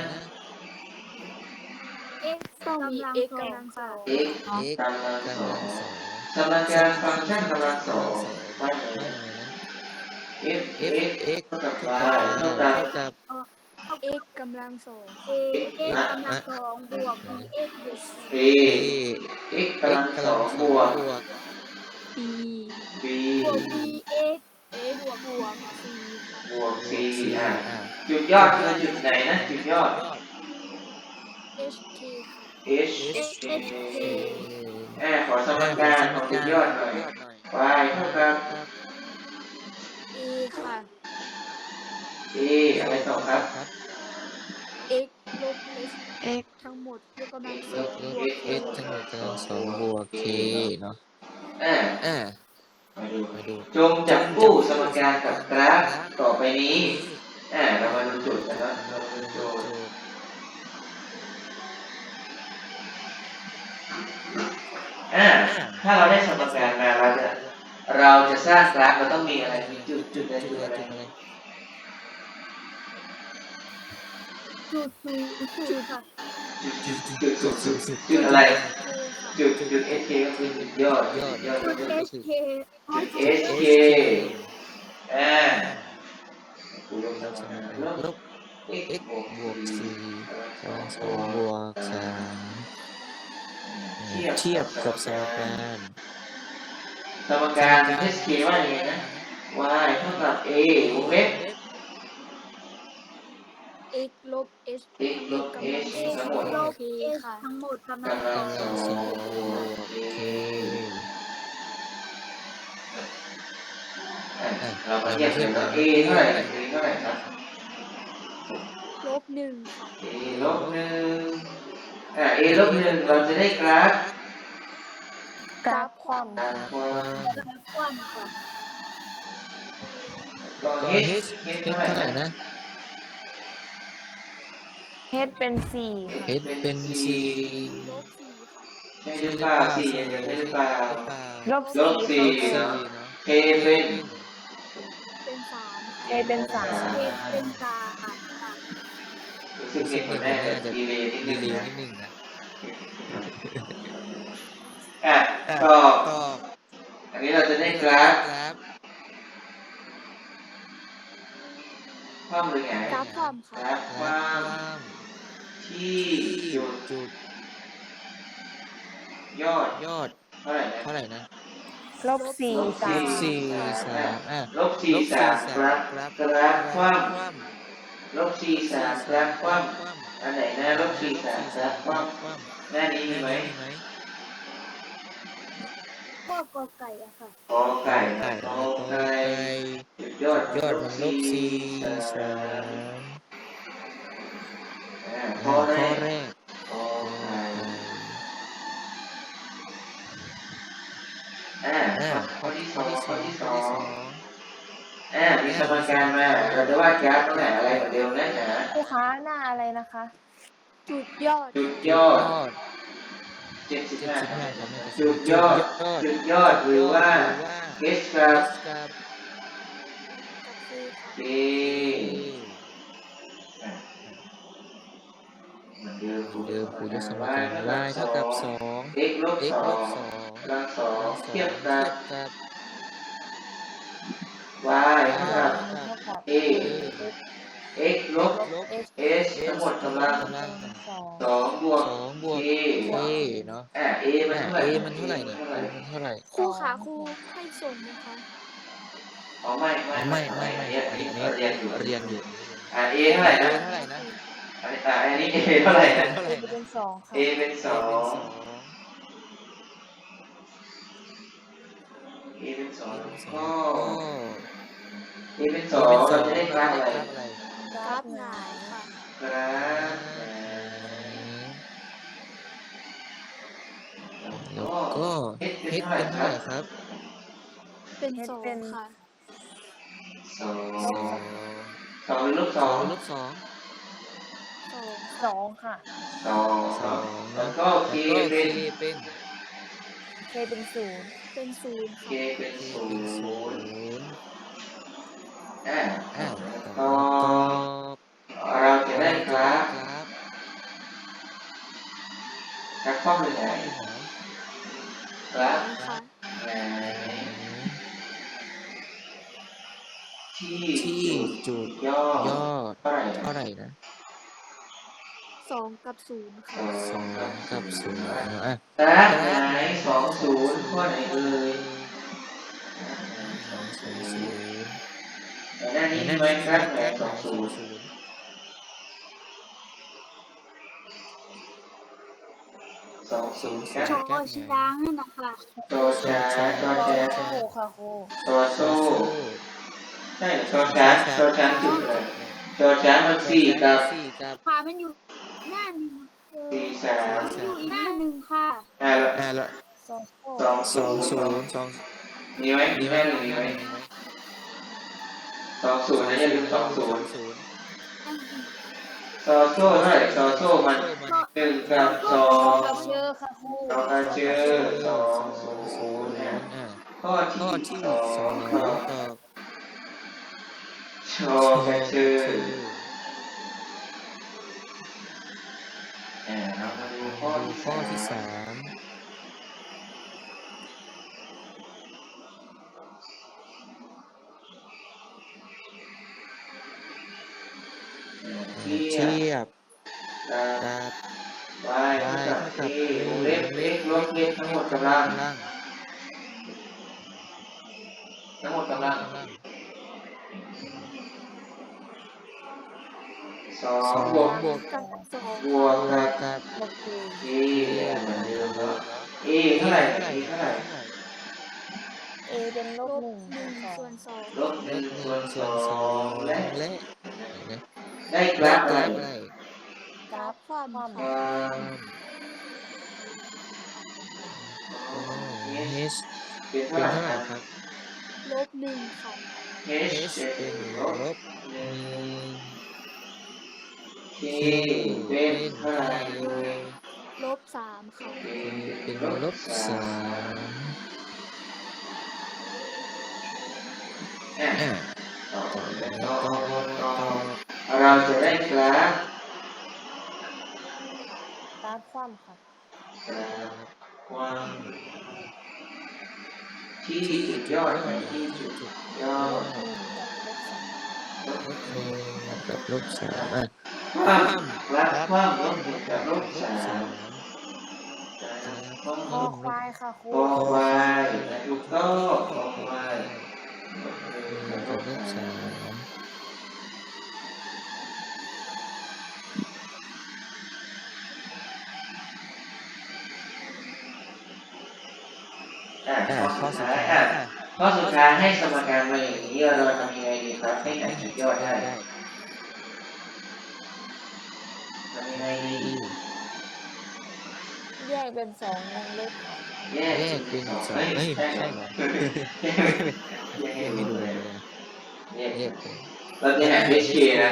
[SPEAKER 2] เอ็กต้องมีเอ็กกำลังสอง
[SPEAKER 4] x กำลัง
[SPEAKER 1] กำ
[SPEAKER 4] สอ
[SPEAKER 1] ลั
[SPEAKER 4] ง
[SPEAKER 1] งสอง
[SPEAKER 4] สมการฟังก์ชันกำลังสองว่าไง
[SPEAKER 1] ว่า
[SPEAKER 4] นะ
[SPEAKER 1] ไงนะ
[SPEAKER 4] f
[SPEAKER 1] f
[SPEAKER 4] x
[SPEAKER 1] x
[SPEAKER 4] เท่ากับ y
[SPEAKER 1] เท่า
[SPEAKER 4] เท่า
[SPEAKER 1] กั
[SPEAKER 4] กั
[SPEAKER 1] บบ
[SPEAKER 2] เอ็กกำลังสองเอเอ็กกำลังสองบวกบีเอ็กบวก
[SPEAKER 4] a
[SPEAKER 1] a
[SPEAKER 4] x กำลังสองบวก
[SPEAKER 2] บี
[SPEAKER 4] b
[SPEAKER 2] บวกบีเอ็กเอบวกบวกซีค่ะ
[SPEAKER 4] บวก c อ่ะ
[SPEAKER 1] อ่า
[SPEAKER 4] จุดยอดคือจุดไหนนะจุดยอด
[SPEAKER 2] เอชเค
[SPEAKER 4] h
[SPEAKER 2] H
[SPEAKER 4] k
[SPEAKER 2] เ
[SPEAKER 4] อ่ะขอสมการของจุดยอดหน่อย y เท่ากับ
[SPEAKER 2] เอค่ะ
[SPEAKER 4] a อะไรต่อครับ
[SPEAKER 2] เอ็กลบเอสเอ็กทั้งหมดยกกำลังส
[SPEAKER 1] ล
[SPEAKER 2] อง
[SPEAKER 1] บบ
[SPEAKER 2] วก
[SPEAKER 1] s ทั้งหมดกำลังสองบวก k เนาะ
[SPEAKER 4] อ่ะ
[SPEAKER 1] อ่า
[SPEAKER 4] มาดู
[SPEAKER 1] มาดู
[SPEAKER 4] จงจับคู่สมการกับกราฟต่อไปนี้อ่าเรามาดูโจทย์กันนะเรามาดูโจทย์อ่าถ้าเราได้สมการมาเราจะเราจะสร้างกราฟเราต้องมีอะไรมีจุดจุดใดจุดอะไร
[SPEAKER 2] จุดศูนย์จุดค่ะ
[SPEAKER 4] จุดจุดจุดจุดจุดจุดอะไร
[SPEAKER 2] เคค่ะ
[SPEAKER 4] จุดจุด s k ก็คือจุดยอดจุดยอด
[SPEAKER 2] จุด
[SPEAKER 4] จุด
[SPEAKER 2] เอชเค
[SPEAKER 4] s k อ่าคูณลบสมการลบ
[SPEAKER 1] ลบ x บวก c กำลังสองบวกสามเทียบกับสมการ
[SPEAKER 4] สมการ s k ว่าอย่างไงนะ y เท่ากับ a วงเล็บ
[SPEAKER 2] เอ็กลบเอช
[SPEAKER 4] x ลบ h ทั้งหมด
[SPEAKER 2] ลบเอค่ะทั้งหมดกำลัง
[SPEAKER 4] กำลัง
[SPEAKER 2] ส
[SPEAKER 4] ส
[SPEAKER 2] อ
[SPEAKER 4] อง ง
[SPEAKER 1] สอง
[SPEAKER 4] บบ ว
[SPEAKER 1] ว
[SPEAKER 4] ก
[SPEAKER 1] ก
[SPEAKER 4] k
[SPEAKER 1] k
[SPEAKER 4] อ่ะเรามาเทียบกันว่า a เท่าไหร่ a เท่าไหร่ครับ
[SPEAKER 2] ลบหนึ่งค่ะ
[SPEAKER 4] a ลบหนึ่งอ่ะ a ลบหนึ่งเราจะได้กราฟ
[SPEAKER 2] กราฟความ
[SPEAKER 4] กราฟความ
[SPEAKER 2] กราฟความค่ะ
[SPEAKER 4] ก็
[SPEAKER 1] ก็
[SPEAKER 4] h
[SPEAKER 1] h
[SPEAKER 4] h
[SPEAKER 1] h
[SPEAKER 4] เท่าไหร่
[SPEAKER 1] เท่าไหร่
[SPEAKER 4] นะ
[SPEAKER 1] นะ
[SPEAKER 6] เฮดเป็นสี่
[SPEAKER 1] h เป็น c
[SPEAKER 2] ลบสี่ค่ะ
[SPEAKER 4] ใช่หรือเปล่าสี่อย่างเดียวใช่หรือเปล่า
[SPEAKER 6] ลบ
[SPEAKER 4] ลบสี่
[SPEAKER 6] สี่
[SPEAKER 4] เนาะ
[SPEAKER 1] เนาะ
[SPEAKER 4] k เป็น
[SPEAKER 2] เป็นสาม
[SPEAKER 6] เอเป็นสาม
[SPEAKER 2] เอเป็นสามค่ะ
[SPEAKER 4] รู้สึกเห็นคนแรกจะดีเลยนิดนึ
[SPEAKER 1] ดี
[SPEAKER 4] ง
[SPEAKER 1] เลย
[SPEAKER 4] นะ
[SPEAKER 1] นิดนึงนะ
[SPEAKER 4] อ่ะ
[SPEAKER 1] อ่ะ
[SPEAKER 4] ก็
[SPEAKER 1] ก็
[SPEAKER 4] อันนี้เราจะได้กราฟ
[SPEAKER 1] กราฟ
[SPEAKER 4] ความหรือไง
[SPEAKER 2] กราฟความ
[SPEAKER 4] ก
[SPEAKER 2] ค่ะ
[SPEAKER 4] ราฟค
[SPEAKER 1] กราฟ
[SPEAKER 4] วาม
[SPEAKER 1] ความ
[SPEAKER 4] ที่จุด
[SPEAKER 1] จุด
[SPEAKER 4] ยอด
[SPEAKER 1] ยอด
[SPEAKER 4] เท่าไหร่นะ
[SPEAKER 1] เท่าไหร่นะ
[SPEAKER 2] ส
[SPEAKER 6] ลบสี่
[SPEAKER 1] ล
[SPEAKER 6] สาม
[SPEAKER 1] บสี่สามอ่ะ
[SPEAKER 4] ลบสี่สามกราฟ
[SPEAKER 1] กราฟ
[SPEAKER 4] กราฟคว่
[SPEAKER 1] คว่
[SPEAKER 4] ำลบสี่สามกราฟคว่ำอันไหนหน้าลบสี่สามกราฟคว่ำหน้านี้
[SPEAKER 1] ำ
[SPEAKER 4] มีไหม
[SPEAKER 1] มีไหม
[SPEAKER 2] ข้อกอไก่อะค่ะ
[SPEAKER 4] กอไก่
[SPEAKER 1] ไก่
[SPEAKER 4] กอ
[SPEAKER 1] ก็
[SPEAKER 4] ไก่
[SPEAKER 1] ไก่
[SPEAKER 4] จุดยอด
[SPEAKER 1] ยอดมันลบสี่สาม
[SPEAKER 4] อ่า
[SPEAKER 1] อ่ะ
[SPEAKER 4] ข้อแร
[SPEAKER 1] ข้อก แรก
[SPEAKER 4] กอ
[SPEAKER 1] ก็
[SPEAKER 4] ไก่
[SPEAKER 1] ไก่
[SPEAKER 4] อ่า
[SPEAKER 1] อ่ะ
[SPEAKER 4] ข้อที่ส
[SPEAKER 1] ข้
[SPEAKER 4] อ
[SPEAKER 1] อง ที่ส
[SPEAKER 4] ข้อ
[SPEAKER 1] อง
[SPEAKER 4] ที่ส
[SPEAKER 1] ข้อ
[SPEAKER 4] อ
[SPEAKER 1] ที่ส
[SPEAKER 4] ง
[SPEAKER 1] อง
[SPEAKER 4] อ่ามีสมการมาเราจะวาดกราฟตรงไหนอะไรเหมือนเดิมนะฮะ
[SPEAKER 6] ครูคะหน้าอะไรนะคะ
[SPEAKER 2] จุดยอด
[SPEAKER 4] จุดย
[SPEAKER 1] ย
[SPEAKER 4] อ
[SPEAKER 1] อ
[SPEAKER 4] ด
[SPEAKER 1] ด
[SPEAKER 4] เจ็ดสิบ
[SPEAKER 1] เจ็ด
[SPEAKER 4] ห้า
[SPEAKER 1] สิบห้าครับแม่
[SPEAKER 4] จุดยอด จุดยอดหรือว่า h กราฟ
[SPEAKER 1] h กับ
[SPEAKER 2] กับซีค่ะ
[SPEAKER 4] k เหมือนเดิม
[SPEAKER 1] เดิมครูยกสม
[SPEAKER 4] y
[SPEAKER 1] การ y เท่ากับสอง
[SPEAKER 4] x ลบ
[SPEAKER 1] x
[SPEAKER 4] สอ
[SPEAKER 1] ล
[SPEAKER 4] ง
[SPEAKER 1] บสอง
[SPEAKER 4] กำลังสอก
[SPEAKER 1] ำลั
[SPEAKER 4] ง
[SPEAKER 1] งสอง
[SPEAKER 4] เทียบ
[SPEAKER 1] เที
[SPEAKER 4] กั
[SPEAKER 1] ย
[SPEAKER 4] บบ
[SPEAKER 1] กับ
[SPEAKER 4] y
[SPEAKER 1] y
[SPEAKER 4] เท่ากับ
[SPEAKER 6] เท่ากับ
[SPEAKER 4] a x ลบ
[SPEAKER 1] ลบ
[SPEAKER 6] x
[SPEAKER 4] h ทั้งหมดกำลัง
[SPEAKER 1] กำลัง
[SPEAKER 6] สอง
[SPEAKER 4] สองบวก
[SPEAKER 1] สองบวก
[SPEAKER 4] k
[SPEAKER 1] k เนาะ
[SPEAKER 4] อ่ะ a มัน
[SPEAKER 1] อ่ะ
[SPEAKER 4] เท่าไหร่
[SPEAKER 1] a มันเท่าไหร่เนี่ย a มันเท่าไหร่
[SPEAKER 2] ครูขาครูให้ส่งนะคะ
[SPEAKER 4] อ๋อไม่ไม่
[SPEAKER 1] อ๋อไม่ไม่ไม่
[SPEAKER 4] อันนี้
[SPEAKER 1] อันนี้
[SPEAKER 4] เรียนอยู่
[SPEAKER 1] เรียนอยู่
[SPEAKER 4] อ่ะ a เท่าไหร่
[SPEAKER 1] a
[SPEAKER 4] นะ
[SPEAKER 1] เท่าไหร่นะ
[SPEAKER 4] อันนี้อ่ะอันนี้ a เท่าไหร่นะ
[SPEAKER 1] เท่าไหร่
[SPEAKER 6] a
[SPEAKER 1] นะ
[SPEAKER 6] เป็นสองค่ะ
[SPEAKER 4] a เป็นส
[SPEAKER 1] a
[SPEAKER 4] อ
[SPEAKER 1] เป็น
[SPEAKER 4] ง
[SPEAKER 1] สอง
[SPEAKER 4] a เป็นสอง
[SPEAKER 1] a เป็นสอง
[SPEAKER 4] ก็
[SPEAKER 1] ก็
[SPEAKER 4] a เป็นส
[SPEAKER 1] a
[SPEAKER 4] อง
[SPEAKER 1] เป็นส
[SPEAKER 4] เรา
[SPEAKER 1] อง
[SPEAKER 4] จะได้กราฟอะไร
[SPEAKER 1] กราฟอะไร
[SPEAKER 2] กราฟหงายค่ะ
[SPEAKER 4] กราฟ
[SPEAKER 1] แล้วก็ h เป็นเท่าไหร่ครับ
[SPEAKER 2] เป็นสองค่ะ
[SPEAKER 4] สอง
[SPEAKER 1] สอง
[SPEAKER 4] สองหรือลบส
[SPEAKER 1] ส
[SPEAKER 4] อ
[SPEAKER 1] อง งลบสอง
[SPEAKER 2] สอง
[SPEAKER 6] สองค่ะ
[SPEAKER 4] สอง
[SPEAKER 1] สอง
[SPEAKER 4] แล้ว
[SPEAKER 1] เนาะ
[SPEAKER 4] ก็
[SPEAKER 1] แล้ว
[SPEAKER 4] k
[SPEAKER 1] ก็ k
[SPEAKER 4] เป็น
[SPEAKER 1] เป็น
[SPEAKER 6] k เป็นศูนย์
[SPEAKER 2] เป็นศูนย์
[SPEAKER 4] k
[SPEAKER 2] ค่ะ
[SPEAKER 4] เป็น
[SPEAKER 1] k
[SPEAKER 4] ศู
[SPEAKER 1] เป็นศู
[SPEAKER 4] นย์
[SPEAKER 1] นย์
[SPEAKER 4] อ่า
[SPEAKER 1] อ้าวต
[SPEAKER 4] ต่
[SPEAKER 1] อ
[SPEAKER 4] อบ
[SPEAKER 1] ตอบ
[SPEAKER 4] เราจะได้
[SPEAKER 1] เรา
[SPEAKER 4] ก
[SPEAKER 1] จะ
[SPEAKER 4] รา
[SPEAKER 1] ได้
[SPEAKER 4] ฟ
[SPEAKER 1] กราฟ
[SPEAKER 4] กราฟข้อมูลไหน
[SPEAKER 1] ที่ไหน
[SPEAKER 4] กราฟ
[SPEAKER 2] ค่ะ
[SPEAKER 4] ไหนที่
[SPEAKER 1] ที่จุด
[SPEAKER 4] ยอย
[SPEAKER 1] อ
[SPEAKER 4] ด
[SPEAKER 1] ด
[SPEAKER 4] เท่าไหร่
[SPEAKER 1] เท่าไหร่นะ
[SPEAKER 2] สองกับศูนย์ค่ะ
[SPEAKER 1] สองกับศูนย์เนาะอ่ะ
[SPEAKER 4] กราฟไหนสองศูนย์ข้อไหนเอ่ย
[SPEAKER 1] สองศูนย์ศูนย์
[SPEAKER 4] ในหน้านี้มีไหมกราฟไหนสองศูนย์
[SPEAKER 1] ศูนย์
[SPEAKER 4] สองศูนย์กราฟ
[SPEAKER 2] โชว์ช้างนั่นนะคะ
[SPEAKER 4] โซช้าโซ
[SPEAKER 6] โ
[SPEAKER 4] ช้า
[SPEAKER 6] ครูค่ะครู
[SPEAKER 4] โซโซใช่โซช้าโซช้าจุดเลยโซช้ามันสี่กับ
[SPEAKER 1] สี่กับ
[SPEAKER 2] พามันอยู่หน้าหนึ่งเออ
[SPEAKER 4] สี่สาม
[SPEAKER 2] อยู่อีกหน้าหนึ่งค่ะ
[SPEAKER 4] อ่า
[SPEAKER 1] อ่าละ
[SPEAKER 6] สองโ
[SPEAKER 4] สอง
[SPEAKER 1] ส
[SPEAKER 4] ศู
[SPEAKER 1] อง
[SPEAKER 4] นย์
[SPEAKER 1] ศูนย์สอง
[SPEAKER 4] มีไหมมี
[SPEAKER 1] มี
[SPEAKER 4] ไห
[SPEAKER 1] ไห
[SPEAKER 4] ม
[SPEAKER 1] ม
[SPEAKER 4] มีไหม
[SPEAKER 1] มีไหม
[SPEAKER 4] สองศูนย์นะอย่าลืมสองศูนย์
[SPEAKER 1] ศูนย์
[SPEAKER 4] โซโซ่เท่าไหร่โซโซ่มันหนึ่งกับสอง
[SPEAKER 6] กับเชอร์ค่ะครู
[SPEAKER 4] สองกับเชื่อสองศูนย์ศูนย์นะ
[SPEAKER 1] อ่า
[SPEAKER 4] ข้อ
[SPEAKER 1] ข้อ
[SPEAKER 4] ที่
[SPEAKER 1] ที่
[SPEAKER 4] ส
[SPEAKER 1] ส
[SPEAKER 4] อ
[SPEAKER 1] อง ง
[SPEAKER 4] ก็
[SPEAKER 1] ตอบ
[SPEAKER 4] ชอกับชื่ออ่าเรามาดูข้อ
[SPEAKER 1] ดู
[SPEAKER 4] ที่
[SPEAKER 1] ข้อที่
[SPEAKER 4] สา
[SPEAKER 1] สาม ม
[SPEAKER 4] เทีย
[SPEAKER 1] เที
[SPEAKER 4] บ
[SPEAKER 1] ยบ
[SPEAKER 4] กับ
[SPEAKER 1] กับ
[SPEAKER 4] y
[SPEAKER 1] y
[SPEAKER 4] เท่า
[SPEAKER 1] เท่า
[SPEAKER 4] กั
[SPEAKER 1] กั
[SPEAKER 4] บบ a วงเล็บ x ลบ x ทั้งหมดกำลัง
[SPEAKER 1] ลัง
[SPEAKER 4] ทั้งหมดกำลัง
[SPEAKER 1] กำลัง
[SPEAKER 4] สอ
[SPEAKER 1] สอง ง
[SPEAKER 4] บวก
[SPEAKER 1] บวก
[SPEAKER 2] กับสอง
[SPEAKER 4] บวก
[SPEAKER 1] บว
[SPEAKER 4] กับ
[SPEAKER 1] กกับ
[SPEAKER 6] บวกครู
[SPEAKER 4] a เหมือนเดิมเนาะ a เท่าไหร่ a เท่าไหร่
[SPEAKER 6] เอเป็นล
[SPEAKER 2] ล
[SPEAKER 6] บบ หนึ่ง
[SPEAKER 2] หนึ่ง
[SPEAKER 6] สอง
[SPEAKER 2] ส่วนสอง
[SPEAKER 4] ลบห
[SPEAKER 1] ล
[SPEAKER 4] นึ่ง
[SPEAKER 1] บห
[SPEAKER 4] ส่ว
[SPEAKER 1] นึ่
[SPEAKER 4] น
[SPEAKER 1] ง
[SPEAKER 4] ส
[SPEAKER 1] ส่วน
[SPEAKER 4] อ
[SPEAKER 1] สอง ง
[SPEAKER 4] และ
[SPEAKER 1] และ
[SPEAKER 4] ได้ก
[SPEAKER 1] ได้
[SPEAKER 4] ราฟ
[SPEAKER 1] ก
[SPEAKER 4] อะไร
[SPEAKER 1] ราฟอะไร
[SPEAKER 6] กราฟ
[SPEAKER 2] ความ
[SPEAKER 6] ความ
[SPEAKER 4] ความ
[SPEAKER 1] h
[SPEAKER 4] เป็น
[SPEAKER 1] เป็น
[SPEAKER 4] เท่า
[SPEAKER 1] เท่า
[SPEAKER 4] ไห
[SPEAKER 1] ไห
[SPEAKER 4] ร่
[SPEAKER 1] ร่ครับ
[SPEAKER 2] ลบหนึ่งค่ะ
[SPEAKER 4] h
[SPEAKER 1] h
[SPEAKER 4] เป็
[SPEAKER 1] เป็น น
[SPEAKER 4] ล
[SPEAKER 1] ล
[SPEAKER 4] บบ
[SPEAKER 1] ห
[SPEAKER 4] หนึ่
[SPEAKER 1] นึ่
[SPEAKER 4] ง
[SPEAKER 1] ง
[SPEAKER 4] k
[SPEAKER 1] k
[SPEAKER 4] เป็
[SPEAKER 1] เป็น น
[SPEAKER 4] เท่า
[SPEAKER 1] เท่า
[SPEAKER 4] ไห
[SPEAKER 1] ไห
[SPEAKER 4] ร่
[SPEAKER 1] ร่เอ่ย
[SPEAKER 2] ลบสามค่ะ
[SPEAKER 4] k
[SPEAKER 1] k เป็น
[SPEAKER 4] ล
[SPEAKER 1] ล
[SPEAKER 4] บบ
[SPEAKER 1] สา
[SPEAKER 4] สาม
[SPEAKER 1] ม
[SPEAKER 4] อ่ะ
[SPEAKER 1] อ่า
[SPEAKER 4] ต่อ
[SPEAKER 1] ต่อ
[SPEAKER 4] ไป
[SPEAKER 1] ไป
[SPEAKER 4] ต่อ
[SPEAKER 1] ต่อ
[SPEAKER 4] ต่อ
[SPEAKER 1] ต่อ
[SPEAKER 4] เราจะได้กราฟ
[SPEAKER 6] กราฟความค่ะ
[SPEAKER 4] กราฟความที่
[SPEAKER 1] ที่
[SPEAKER 4] จุด
[SPEAKER 1] จุ
[SPEAKER 4] ย
[SPEAKER 1] ด
[SPEAKER 4] อด
[SPEAKER 1] ยอ
[SPEAKER 4] ใน
[SPEAKER 1] ด
[SPEAKER 4] ที่
[SPEAKER 1] ที่
[SPEAKER 4] จุด
[SPEAKER 1] จุด
[SPEAKER 4] ย
[SPEAKER 1] ย
[SPEAKER 4] อ
[SPEAKER 1] อ
[SPEAKER 4] ด
[SPEAKER 1] ด
[SPEAKER 6] หนึ่งกับลบสาม
[SPEAKER 1] ลบหนึ่งกับลบสามอ่ะ
[SPEAKER 4] ความ
[SPEAKER 1] ความ
[SPEAKER 4] กราฟ
[SPEAKER 1] ครับ
[SPEAKER 4] ความล
[SPEAKER 1] ความ
[SPEAKER 4] บห
[SPEAKER 1] ล
[SPEAKER 4] นึ่ง
[SPEAKER 1] บ
[SPEAKER 4] กับลบ
[SPEAKER 1] ลบ
[SPEAKER 4] สา
[SPEAKER 1] สาม ม
[SPEAKER 4] กราฟ
[SPEAKER 6] คอควายค่ะครู
[SPEAKER 4] คอควายถูกต้องคอควาย
[SPEAKER 1] หนึ่งกับลบสาม
[SPEAKER 4] อ่ะ
[SPEAKER 1] อ่า
[SPEAKER 4] ข้
[SPEAKER 1] ข้
[SPEAKER 4] อ
[SPEAKER 1] อ
[SPEAKER 4] สุ
[SPEAKER 1] สุ
[SPEAKER 4] ด
[SPEAKER 1] ด
[SPEAKER 4] ท้าย
[SPEAKER 1] ท้าย
[SPEAKER 4] อ่ะ
[SPEAKER 1] อ่ะ
[SPEAKER 4] ข้อสุดท้ายให้สมการมาอย่างนี้เราทำยังไงดีครับให้หารจุดยอดได้ทำยังไงดี
[SPEAKER 6] แยกเป็นสองวงเล็บค่ะ
[SPEAKER 4] แยก
[SPEAKER 1] แยกเป็นสอง
[SPEAKER 4] เฮ้ย
[SPEAKER 1] เฮ้ย
[SPEAKER 4] ใช่
[SPEAKER 1] ใช่
[SPEAKER 4] เห
[SPEAKER 1] เห
[SPEAKER 4] ร
[SPEAKER 1] ร
[SPEAKER 4] อ
[SPEAKER 1] อ
[SPEAKER 4] แยกแยกให้
[SPEAKER 1] แยก
[SPEAKER 4] ดู
[SPEAKER 1] ให้ดู
[SPEAKER 4] เล
[SPEAKER 1] เลย ย
[SPEAKER 4] แยก
[SPEAKER 1] แยกเป็น
[SPEAKER 4] เราจะหาร เอช เค นะ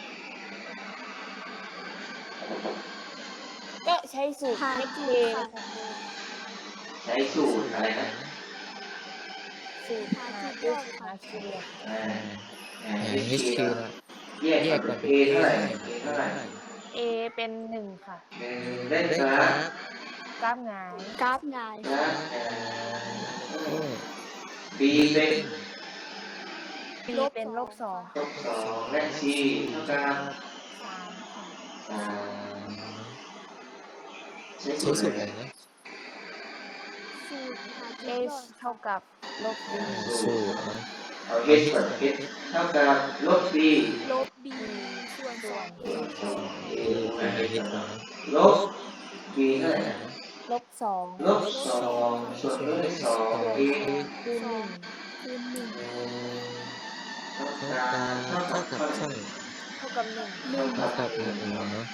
[SPEAKER 6] ก็ใช้สูตร
[SPEAKER 2] หา
[SPEAKER 6] เอช
[SPEAKER 2] จุ
[SPEAKER 6] เค
[SPEAKER 2] ดค่ะ
[SPEAKER 6] ค่ะครู
[SPEAKER 4] ใช้สูตรอะไรนะ
[SPEAKER 6] สูตร
[SPEAKER 2] หา
[SPEAKER 6] หา
[SPEAKER 2] จุด
[SPEAKER 6] เอย
[SPEAKER 2] อ
[SPEAKER 6] ช
[SPEAKER 2] ดค่ะ
[SPEAKER 6] หาเฉลี่ย
[SPEAKER 4] อ่า
[SPEAKER 1] อ่า
[SPEAKER 4] หาร
[SPEAKER 1] อ่า
[SPEAKER 4] เอช
[SPEAKER 1] H
[SPEAKER 4] เค
[SPEAKER 1] K
[SPEAKER 4] แล้
[SPEAKER 1] แล้ว ว
[SPEAKER 4] แยก
[SPEAKER 1] แย
[SPEAKER 4] ก่
[SPEAKER 1] ก
[SPEAKER 4] อน
[SPEAKER 1] ก่อน
[SPEAKER 4] เป็
[SPEAKER 1] เป็น น
[SPEAKER 4] A
[SPEAKER 1] A
[SPEAKER 4] เท่าไหร่
[SPEAKER 1] เท่าไหร่
[SPEAKER 4] A
[SPEAKER 1] เท่า
[SPEAKER 4] เท่าไหร่
[SPEAKER 1] ไหร่
[SPEAKER 6] A เป็นหนึ่งค่ะ
[SPEAKER 4] หนึ่ง
[SPEAKER 1] ห
[SPEAKER 4] ได้
[SPEAKER 1] นึ่ง
[SPEAKER 4] ค
[SPEAKER 1] ได้
[SPEAKER 4] รั
[SPEAKER 1] ครับ บ
[SPEAKER 6] กราฟหงาย
[SPEAKER 2] กราฟหงาย
[SPEAKER 4] ครั
[SPEAKER 2] ค่ะ
[SPEAKER 4] บอ่า
[SPEAKER 1] แล้วก็
[SPEAKER 4] B
[SPEAKER 1] B
[SPEAKER 4] เป็
[SPEAKER 1] เป็น น
[SPEAKER 6] B เป็นลบสอง
[SPEAKER 4] ลบ
[SPEAKER 1] ล
[SPEAKER 4] ส
[SPEAKER 1] บ
[SPEAKER 4] อ
[SPEAKER 1] สอง ง
[SPEAKER 4] และ
[SPEAKER 1] และ
[SPEAKER 4] C
[SPEAKER 1] C
[SPEAKER 4] เท่า
[SPEAKER 1] เท่า
[SPEAKER 4] กั
[SPEAKER 1] กั
[SPEAKER 4] บบ
[SPEAKER 6] สามค่ะ
[SPEAKER 4] สา
[SPEAKER 1] สาม ม
[SPEAKER 4] ใช้
[SPEAKER 1] ใช้
[SPEAKER 4] สู
[SPEAKER 1] สู
[SPEAKER 4] ต
[SPEAKER 1] ต
[SPEAKER 4] ร
[SPEAKER 1] ร
[SPEAKER 4] อะ
[SPEAKER 1] อะไร ไรนะ
[SPEAKER 2] สูตรหาจุด
[SPEAKER 6] H
[SPEAKER 2] ยอด
[SPEAKER 6] เท่ากับลบ B
[SPEAKER 1] อ่าสูตรนะ
[SPEAKER 4] เอา
[SPEAKER 1] เอา
[SPEAKER 4] H
[SPEAKER 1] H
[SPEAKER 4] ก่อน
[SPEAKER 1] ก่อน
[SPEAKER 4] H
[SPEAKER 1] H
[SPEAKER 4] เท่ากับลบ B
[SPEAKER 2] ลบ b ส่วนสอง a
[SPEAKER 1] สอง A คูณ H ก่อนนะ
[SPEAKER 4] ล
[SPEAKER 1] ล
[SPEAKER 4] บบ B
[SPEAKER 1] B
[SPEAKER 4] เท่าไหร่
[SPEAKER 1] เท่าไหร่
[SPEAKER 4] นะ
[SPEAKER 1] นะ
[SPEAKER 6] ลบสอง
[SPEAKER 4] ลบสองส่วน
[SPEAKER 1] ส่วน
[SPEAKER 4] ด้วย
[SPEAKER 1] ด้วย
[SPEAKER 4] สอ
[SPEAKER 1] ส
[SPEAKER 4] ง
[SPEAKER 1] อง
[SPEAKER 4] A
[SPEAKER 6] คูณหนึ่ง
[SPEAKER 2] คูณหนึ่ง
[SPEAKER 1] โอ้
[SPEAKER 4] เท่า
[SPEAKER 1] เท่า
[SPEAKER 4] กับ
[SPEAKER 1] กับ
[SPEAKER 4] เท่ากับ
[SPEAKER 1] เท่า
[SPEAKER 4] เท่า
[SPEAKER 1] กับ
[SPEAKER 4] ไหร่
[SPEAKER 1] เท่า
[SPEAKER 6] เท่ากับหนึ่ง
[SPEAKER 2] หนึ่ง
[SPEAKER 1] เท่ากับหนึ่งเนาะ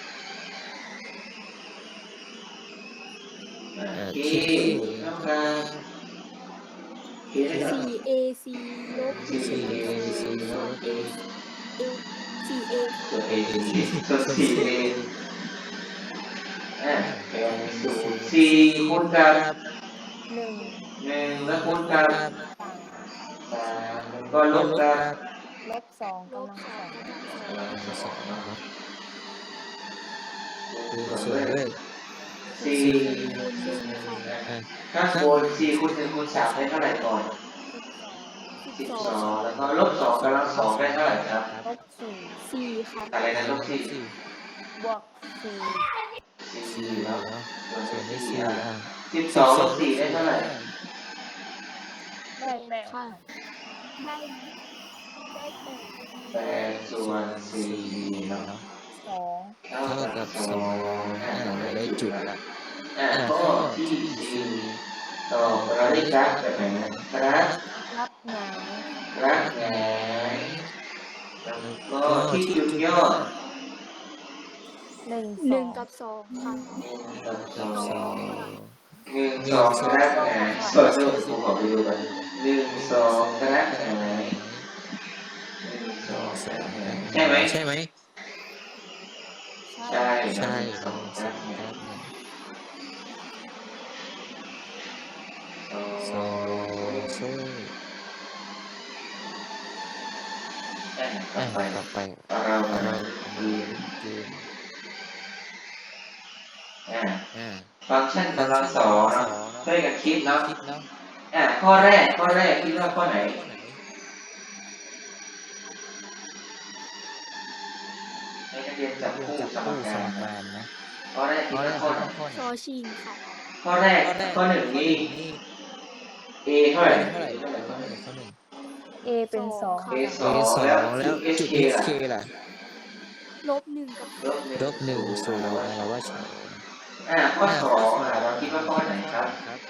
[SPEAKER 4] อ่า
[SPEAKER 1] อ่า
[SPEAKER 4] K
[SPEAKER 1] K
[SPEAKER 4] เท่า
[SPEAKER 1] เท่า
[SPEAKER 4] กั
[SPEAKER 1] กั
[SPEAKER 4] บบ K เท่ากับ
[SPEAKER 2] สี่ a c ลบ b
[SPEAKER 1] สี่ A C
[SPEAKER 2] ส่วน
[SPEAKER 1] ล
[SPEAKER 2] a
[SPEAKER 1] บ
[SPEAKER 2] a สี่ a ค่ะ
[SPEAKER 4] ส่วน A
[SPEAKER 1] ส่วน
[SPEAKER 4] สี่ส่วน
[SPEAKER 1] ส่วน
[SPEAKER 4] สี่
[SPEAKER 1] สี่
[SPEAKER 4] A อ่าแปลงเป็นสูตร
[SPEAKER 1] สี่
[SPEAKER 4] สี่คูณกับ
[SPEAKER 6] หนึ่ง
[SPEAKER 4] หนึ่งแล้วคูณ
[SPEAKER 1] คู
[SPEAKER 4] กั
[SPEAKER 1] ณ
[SPEAKER 4] บ
[SPEAKER 1] กับ
[SPEAKER 6] สาม
[SPEAKER 4] สามแล้วก็
[SPEAKER 1] ก็
[SPEAKER 4] ล
[SPEAKER 1] ล
[SPEAKER 4] บบ กับ
[SPEAKER 1] กับ
[SPEAKER 6] ลบสอง
[SPEAKER 2] ล
[SPEAKER 6] กำ
[SPEAKER 2] บ
[SPEAKER 6] ลัง
[SPEAKER 2] ส
[SPEAKER 6] ส
[SPEAKER 2] อ
[SPEAKER 6] อง ง
[SPEAKER 2] กำลังสอง
[SPEAKER 4] กำลัง
[SPEAKER 1] กำลัง
[SPEAKER 4] ส
[SPEAKER 1] ส
[SPEAKER 4] อ
[SPEAKER 1] อง งเนาะ
[SPEAKER 4] คู
[SPEAKER 1] คู
[SPEAKER 4] ณ
[SPEAKER 1] ณ
[SPEAKER 4] ส่
[SPEAKER 1] ส่
[SPEAKER 4] ว
[SPEAKER 1] วน น
[SPEAKER 4] ด้
[SPEAKER 1] ด้
[SPEAKER 4] ว
[SPEAKER 1] วย ย
[SPEAKER 4] สี่
[SPEAKER 2] สี่คูณหนึ่งค่ะ
[SPEAKER 1] อ่า
[SPEAKER 4] ถ้าคูณสี่คูณหนึ่งคูณสามได้เท่าไหร่ก่อน
[SPEAKER 6] สิบสอง
[SPEAKER 2] สิบ
[SPEAKER 4] สิบ
[SPEAKER 2] สอ
[SPEAKER 4] สอง งแล้วก็ลบสองกำลังสองได้เท่าไหร่ครับ
[SPEAKER 6] ลบสี่
[SPEAKER 2] สี่ค่ะ
[SPEAKER 4] อะไรนะลบสี่
[SPEAKER 1] สี่
[SPEAKER 6] บวกสี่
[SPEAKER 4] สี่
[SPEAKER 1] สี่
[SPEAKER 4] แล้ว
[SPEAKER 1] เนาะ
[SPEAKER 4] ส่วน
[SPEAKER 1] ส่วนด้
[SPEAKER 4] ด้
[SPEAKER 1] ว
[SPEAKER 4] วย ย
[SPEAKER 1] สี่
[SPEAKER 4] สี่
[SPEAKER 1] อ่ะ
[SPEAKER 4] สิบสองลบสี่ได้เท่าไหร่
[SPEAKER 6] ได้แปด
[SPEAKER 2] ค่ะ ได้ได้แปด
[SPEAKER 4] แปดส่วนสี่
[SPEAKER 1] เนาะ
[SPEAKER 4] เนาะ
[SPEAKER 6] สอง
[SPEAKER 4] เท่า
[SPEAKER 1] เท่า
[SPEAKER 4] กั
[SPEAKER 1] กั
[SPEAKER 4] บบ ส
[SPEAKER 1] ส
[SPEAKER 4] อ
[SPEAKER 1] อง ง
[SPEAKER 4] อ่า
[SPEAKER 1] อ่า
[SPEAKER 4] เรา
[SPEAKER 1] ได้
[SPEAKER 4] ได้
[SPEAKER 1] จุ
[SPEAKER 4] จุ
[SPEAKER 1] ด
[SPEAKER 4] ด
[SPEAKER 1] ละ
[SPEAKER 4] ละอ่า
[SPEAKER 1] อ่า
[SPEAKER 4] ข้อ
[SPEAKER 1] ข้อ
[SPEAKER 4] ที่
[SPEAKER 1] ที่
[SPEAKER 4] สี่
[SPEAKER 1] สี่
[SPEAKER 4] ตอบเราได้กราฟแบบไหนนะครับ
[SPEAKER 6] รับหงาย
[SPEAKER 4] กราฟ
[SPEAKER 1] รับ
[SPEAKER 4] ห
[SPEAKER 1] ห
[SPEAKER 4] งาง
[SPEAKER 1] าย ย
[SPEAKER 4] แล้ว
[SPEAKER 1] ก็
[SPEAKER 4] ก็ที่
[SPEAKER 1] ที่
[SPEAKER 4] จุด
[SPEAKER 1] จุด
[SPEAKER 4] ย
[SPEAKER 1] ย
[SPEAKER 4] อ
[SPEAKER 1] อ
[SPEAKER 4] ด
[SPEAKER 1] ด
[SPEAKER 6] หนึ่ง
[SPEAKER 2] ห
[SPEAKER 6] ส
[SPEAKER 2] นึ่
[SPEAKER 6] อง ง
[SPEAKER 2] กับสองค่ะ
[SPEAKER 4] หนึ่งกับส
[SPEAKER 1] กั
[SPEAKER 4] อบ ง
[SPEAKER 1] สอง
[SPEAKER 4] หนึ่งสองกราฟหงายส่วนรูปผมขอไปดูกันหนึ่ง
[SPEAKER 1] หนึ่ง
[SPEAKER 4] สอง
[SPEAKER 1] สอง
[SPEAKER 4] กราฟ
[SPEAKER 1] ก
[SPEAKER 4] ห
[SPEAKER 1] ราฟ
[SPEAKER 4] งา
[SPEAKER 1] หาย ย
[SPEAKER 4] หนึ่ง
[SPEAKER 1] ห
[SPEAKER 4] ส
[SPEAKER 1] นึ่
[SPEAKER 4] อง
[SPEAKER 1] งสอง
[SPEAKER 4] ก
[SPEAKER 1] ก
[SPEAKER 4] รา
[SPEAKER 1] รา
[SPEAKER 4] ฟ
[SPEAKER 1] ฟ
[SPEAKER 4] หงายใช่ไหม
[SPEAKER 1] ใช่ไหม
[SPEAKER 6] ใช่
[SPEAKER 4] ใช่
[SPEAKER 1] ใช่
[SPEAKER 4] หนึ่ง
[SPEAKER 1] ห
[SPEAKER 4] สอง
[SPEAKER 1] นึ่ง
[SPEAKER 4] ก
[SPEAKER 1] ส
[SPEAKER 4] รา
[SPEAKER 1] อ
[SPEAKER 4] ฟ
[SPEAKER 1] ง
[SPEAKER 4] หงาย
[SPEAKER 1] กราฟหนึ่งสอง
[SPEAKER 4] สอง
[SPEAKER 1] ช่วย
[SPEAKER 4] อ่าต่อ
[SPEAKER 1] อ่า
[SPEAKER 4] ไป
[SPEAKER 1] ต่อไป
[SPEAKER 4] เรามา
[SPEAKER 1] เรา
[SPEAKER 4] ดู
[SPEAKER 1] มาเล่นเกม
[SPEAKER 4] อ่า
[SPEAKER 1] อ่า
[SPEAKER 4] ฟังก์ชัน
[SPEAKER 1] ฟัง
[SPEAKER 4] กำลั
[SPEAKER 1] ก์
[SPEAKER 4] ง
[SPEAKER 1] ชัน
[SPEAKER 4] สอก
[SPEAKER 1] ำ
[SPEAKER 4] ง
[SPEAKER 1] ลังส
[SPEAKER 4] เนาะ
[SPEAKER 1] องเนาะ
[SPEAKER 4] ช่วยกันคิดเนาะ
[SPEAKER 1] คิดเนาะ
[SPEAKER 4] อ่าข้อแรกข้อแรกคิดว่าข้อไหน
[SPEAKER 1] ข้อไหน
[SPEAKER 4] ให้นักเรียนจับ
[SPEAKER 1] เรียน
[SPEAKER 4] คู่
[SPEAKER 1] จับ
[SPEAKER 4] สม
[SPEAKER 1] คู่ส
[SPEAKER 4] การ
[SPEAKER 1] ม
[SPEAKER 4] นะ
[SPEAKER 1] การนะ
[SPEAKER 4] ข้อแรกคิ
[SPEAKER 1] ข้
[SPEAKER 4] ด
[SPEAKER 1] อแร
[SPEAKER 4] ว่าก ข้อ
[SPEAKER 1] คิด
[SPEAKER 4] ไหน
[SPEAKER 1] ว่าข้อไหน
[SPEAKER 2] ชอชิงค่ะ
[SPEAKER 4] ข้อแรก
[SPEAKER 1] ข้อแรก
[SPEAKER 4] ข้อหนึ่ง
[SPEAKER 1] ข้อ
[SPEAKER 4] นี่
[SPEAKER 1] หนึ่งนี่
[SPEAKER 4] A เท่าไหร่
[SPEAKER 1] เท่าไหร่ข้อหนึ่งข้อหนึ่ง
[SPEAKER 6] A เป็นสอง
[SPEAKER 2] ค่ะ
[SPEAKER 4] A ส
[SPEAKER 1] A
[SPEAKER 4] อง
[SPEAKER 1] สอ
[SPEAKER 4] แล้ว
[SPEAKER 1] งแล้ว
[SPEAKER 4] จุ
[SPEAKER 1] จุ
[SPEAKER 4] ด
[SPEAKER 1] ด
[SPEAKER 4] H K
[SPEAKER 1] H K
[SPEAKER 4] ล่ะ
[SPEAKER 1] ล่ะ
[SPEAKER 2] ลบหนึ่งกับ
[SPEAKER 4] ลบหนึ่ง
[SPEAKER 1] ลบหนึ่ง
[SPEAKER 4] ศู
[SPEAKER 1] ศู
[SPEAKER 4] น
[SPEAKER 1] น
[SPEAKER 4] ย์
[SPEAKER 1] ย์
[SPEAKER 4] อ่า
[SPEAKER 1] เราว่าสอง
[SPEAKER 4] อ่าข้อ
[SPEAKER 1] อ่า
[SPEAKER 4] สอ
[SPEAKER 1] ข้อง สอ
[SPEAKER 4] อ่าง เราคิดว่าข้อไหน
[SPEAKER 1] ข้อ
[SPEAKER 4] ครับ
[SPEAKER 1] ไหนครับ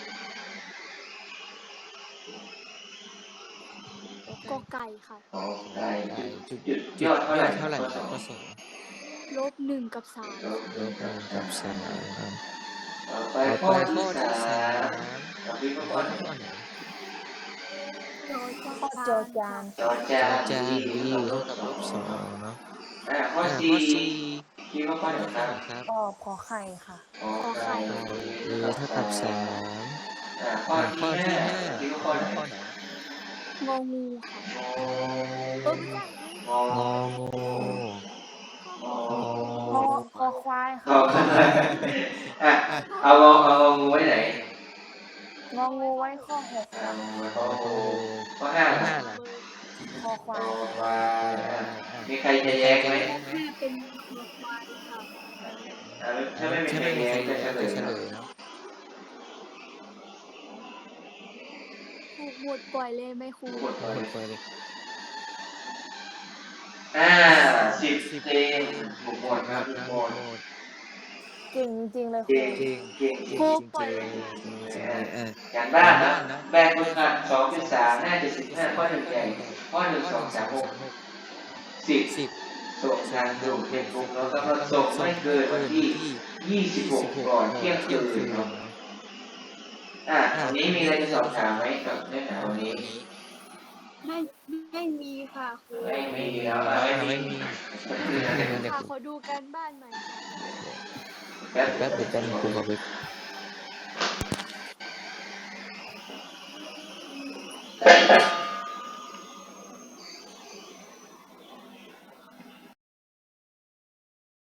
[SPEAKER 2] กอไก่ค่ะ
[SPEAKER 4] ขอไก่
[SPEAKER 1] ไก่จุด
[SPEAKER 4] จุด
[SPEAKER 1] จุ
[SPEAKER 4] ย
[SPEAKER 1] ด
[SPEAKER 4] อดเท่าย ไหร่
[SPEAKER 1] อดเท่าไหร่
[SPEAKER 4] ข้อ
[SPEAKER 1] ค
[SPEAKER 4] ส
[SPEAKER 1] รั
[SPEAKER 4] อบ ง
[SPEAKER 1] ข้อสอง
[SPEAKER 2] ลบหนึ่งกับสาม
[SPEAKER 4] ลบ
[SPEAKER 2] ค่ะ
[SPEAKER 4] ห
[SPEAKER 1] ล
[SPEAKER 4] นึ่ง
[SPEAKER 1] บหนึ่ง
[SPEAKER 4] กั
[SPEAKER 1] กั
[SPEAKER 4] บบ สา
[SPEAKER 1] สาม ม
[SPEAKER 4] ต่อไป
[SPEAKER 1] ต่อ
[SPEAKER 4] ข้อ
[SPEAKER 1] ไป
[SPEAKER 4] ที่
[SPEAKER 1] ข้อที่
[SPEAKER 4] สา
[SPEAKER 1] สาม ม
[SPEAKER 4] เราคิดว่า
[SPEAKER 1] คิ
[SPEAKER 4] ข้อ
[SPEAKER 1] ด
[SPEAKER 4] ไหน
[SPEAKER 1] ว่าข้อไหน
[SPEAKER 2] จอจา
[SPEAKER 6] ข้อจอจาน
[SPEAKER 4] จอจา
[SPEAKER 1] จอน จาน
[SPEAKER 4] b
[SPEAKER 1] b
[SPEAKER 4] เท่า
[SPEAKER 1] เท่า
[SPEAKER 4] กั
[SPEAKER 1] กั
[SPEAKER 4] บบ ล
[SPEAKER 1] ล
[SPEAKER 4] บบ ส
[SPEAKER 1] ส
[SPEAKER 4] อ
[SPEAKER 1] อง งเนาะ
[SPEAKER 4] อ่าข้อ
[SPEAKER 1] อ่า
[SPEAKER 4] C
[SPEAKER 1] ข้อ C
[SPEAKER 4] คิดว่าข้อ
[SPEAKER 1] คิด
[SPEAKER 4] ไหน
[SPEAKER 1] ว่า
[SPEAKER 4] ค
[SPEAKER 1] ข้อ
[SPEAKER 4] รับ
[SPEAKER 1] ไหนครับ
[SPEAKER 6] ตอบขอไข่ค่ะ
[SPEAKER 4] ขอไข่
[SPEAKER 1] ไข่
[SPEAKER 4] A
[SPEAKER 1] A เท่ากับสาม
[SPEAKER 4] อ่าข้อ
[SPEAKER 1] อ่า
[SPEAKER 4] ที่
[SPEAKER 1] ข้อที่
[SPEAKER 4] ห้า
[SPEAKER 1] ห้า
[SPEAKER 4] คิดว่า
[SPEAKER 1] คิด
[SPEAKER 4] ข้อ
[SPEAKER 1] ว่า
[SPEAKER 4] ไหน
[SPEAKER 1] ข้อไหน
[SPEAKER 2] งองูค่ะ
[SPEAKER 4] ง
[SPEAKER 2] เออไม่ใช่
[SPEAKER 4] ง
[SPEAKER 1] งองู
[SPEAKER 4] ง
[SPEAKER 6] คอคอควาย
[SPEAKER 4] ขอ
[SPEAKER 6] ค่ะ
[SPEAKER 4] ไข่อ่ะเอางอเอางองูไว้ไหน
[SPEAKER 6] งองูไว้ข้อหก
[SPEAKER 4] อ่า
[SPEAKER 6] ค่ะ
[SPEAKER 4] งองูไว้ข้อ
[SPEAKER 1] ข้อ
[SPEAKER 4] ข้อห้า
[SPEAKER 1] ข้อ
[SPEAKER 4] ล่ะ
[SPEAKER 1] ห้าล่ะ
[SPEAKER 6] คอควาย
[SPEAKER 4] ขอ
[SPEAKER 6] ค่ะ
[SPEAKER 4] ควายอ่ะ
[SPEAKER 1] อ่ะ
[SPEAKER 4] มีใครจะแย้งไหม
[SPEAKER 1] ไหม
[SPEAKER 2] แม่เป็นคอควายค่ะ
[SPEAKER 4] อ่าถ้า
[SPEAKER 1] อ่า
[SPEAKER 4] ไม่มี
[SPEAKER 1] ถ้า
[SPEAKER 4] ใคร
[SPEAKER 1] ไม่มี
[SPEAKER 4] แย้
[SPEAKER 1] ใครง
[SPEAKER 4] จะ
[SPEAKER 1] แย้
[SPEAKER 4] เฉ
[SPEAKER 1] ง
[SPEAKER 4] ล
[SPEAKER 1] จะ
[SPEAKER 4] ย
[SPEAKER 1] เฉ
[SPEAKER 4] นะ
[SPEAKER 1] ลยเนาะ
[SPEAKER 2] ดปล่อยเลยไหม่ครู
[SPEAKER 4] หมด
[SPEAKER 1] หม
[SPEAKER 4] เล
[SPEAKER 1] ด
[SPEAKER 4] ย
[SPEAKER 1] ไปเลย
[SPEAKER 4] อ่าสิบเต็มหมดหมดครับหมด
[SPEAKER 1] หมด
[SPEAKER 6] เก่งจริงเลยค
[SPEAKER 4] เก่
[SPEAKER 6] รู
[SPEAKER 4] งเก่งเก่ง
[SPEAKER 2] ครู
[SPEAKER 1] จริง
[SPEAKER 2] ปล่อย
[SPEAKER 1] ๆ
[SPEAKER 2] เล
[SPEAKER 1] เลย ยจริงๆเออ
[SPEAKER 4] การบ้านนะแบบฝึกหัดสองจุดสามหน้าเจ็ดสิบห้าข้อหนึ่งใหญ่ข้อหนึ่งสองสามหกสิบ
[SPEAKER 1] สิบ
[SPEAKER 4] ส่งทางส่งเฟซบุ๊กแล้วกำหนดส่งไม่เกินวันที่ยี่สิบหกก่อนเที่ยงคืนเนาะอ่ะวันนี้มีอะไรจะสอบถามไหมกับเนื้อหาวันนี้
[SPEAKER 2] ไม่ไม่มีค่ะครู
[SPEAKER 4] ไม่ไม่มีแล้วอ่ะไม่
[SPEAKER 1] ไม่
[SPEAKER 4] มี
[SPEAKER 1] มี
[SPEAKER 2] ค่ะขอดูการบ้านหน่อย
[SPEAKER 4] แป๊บ
[SPEAKER 1] แป๊บเดี๋ยวแป๊บนึงคุณบอกไป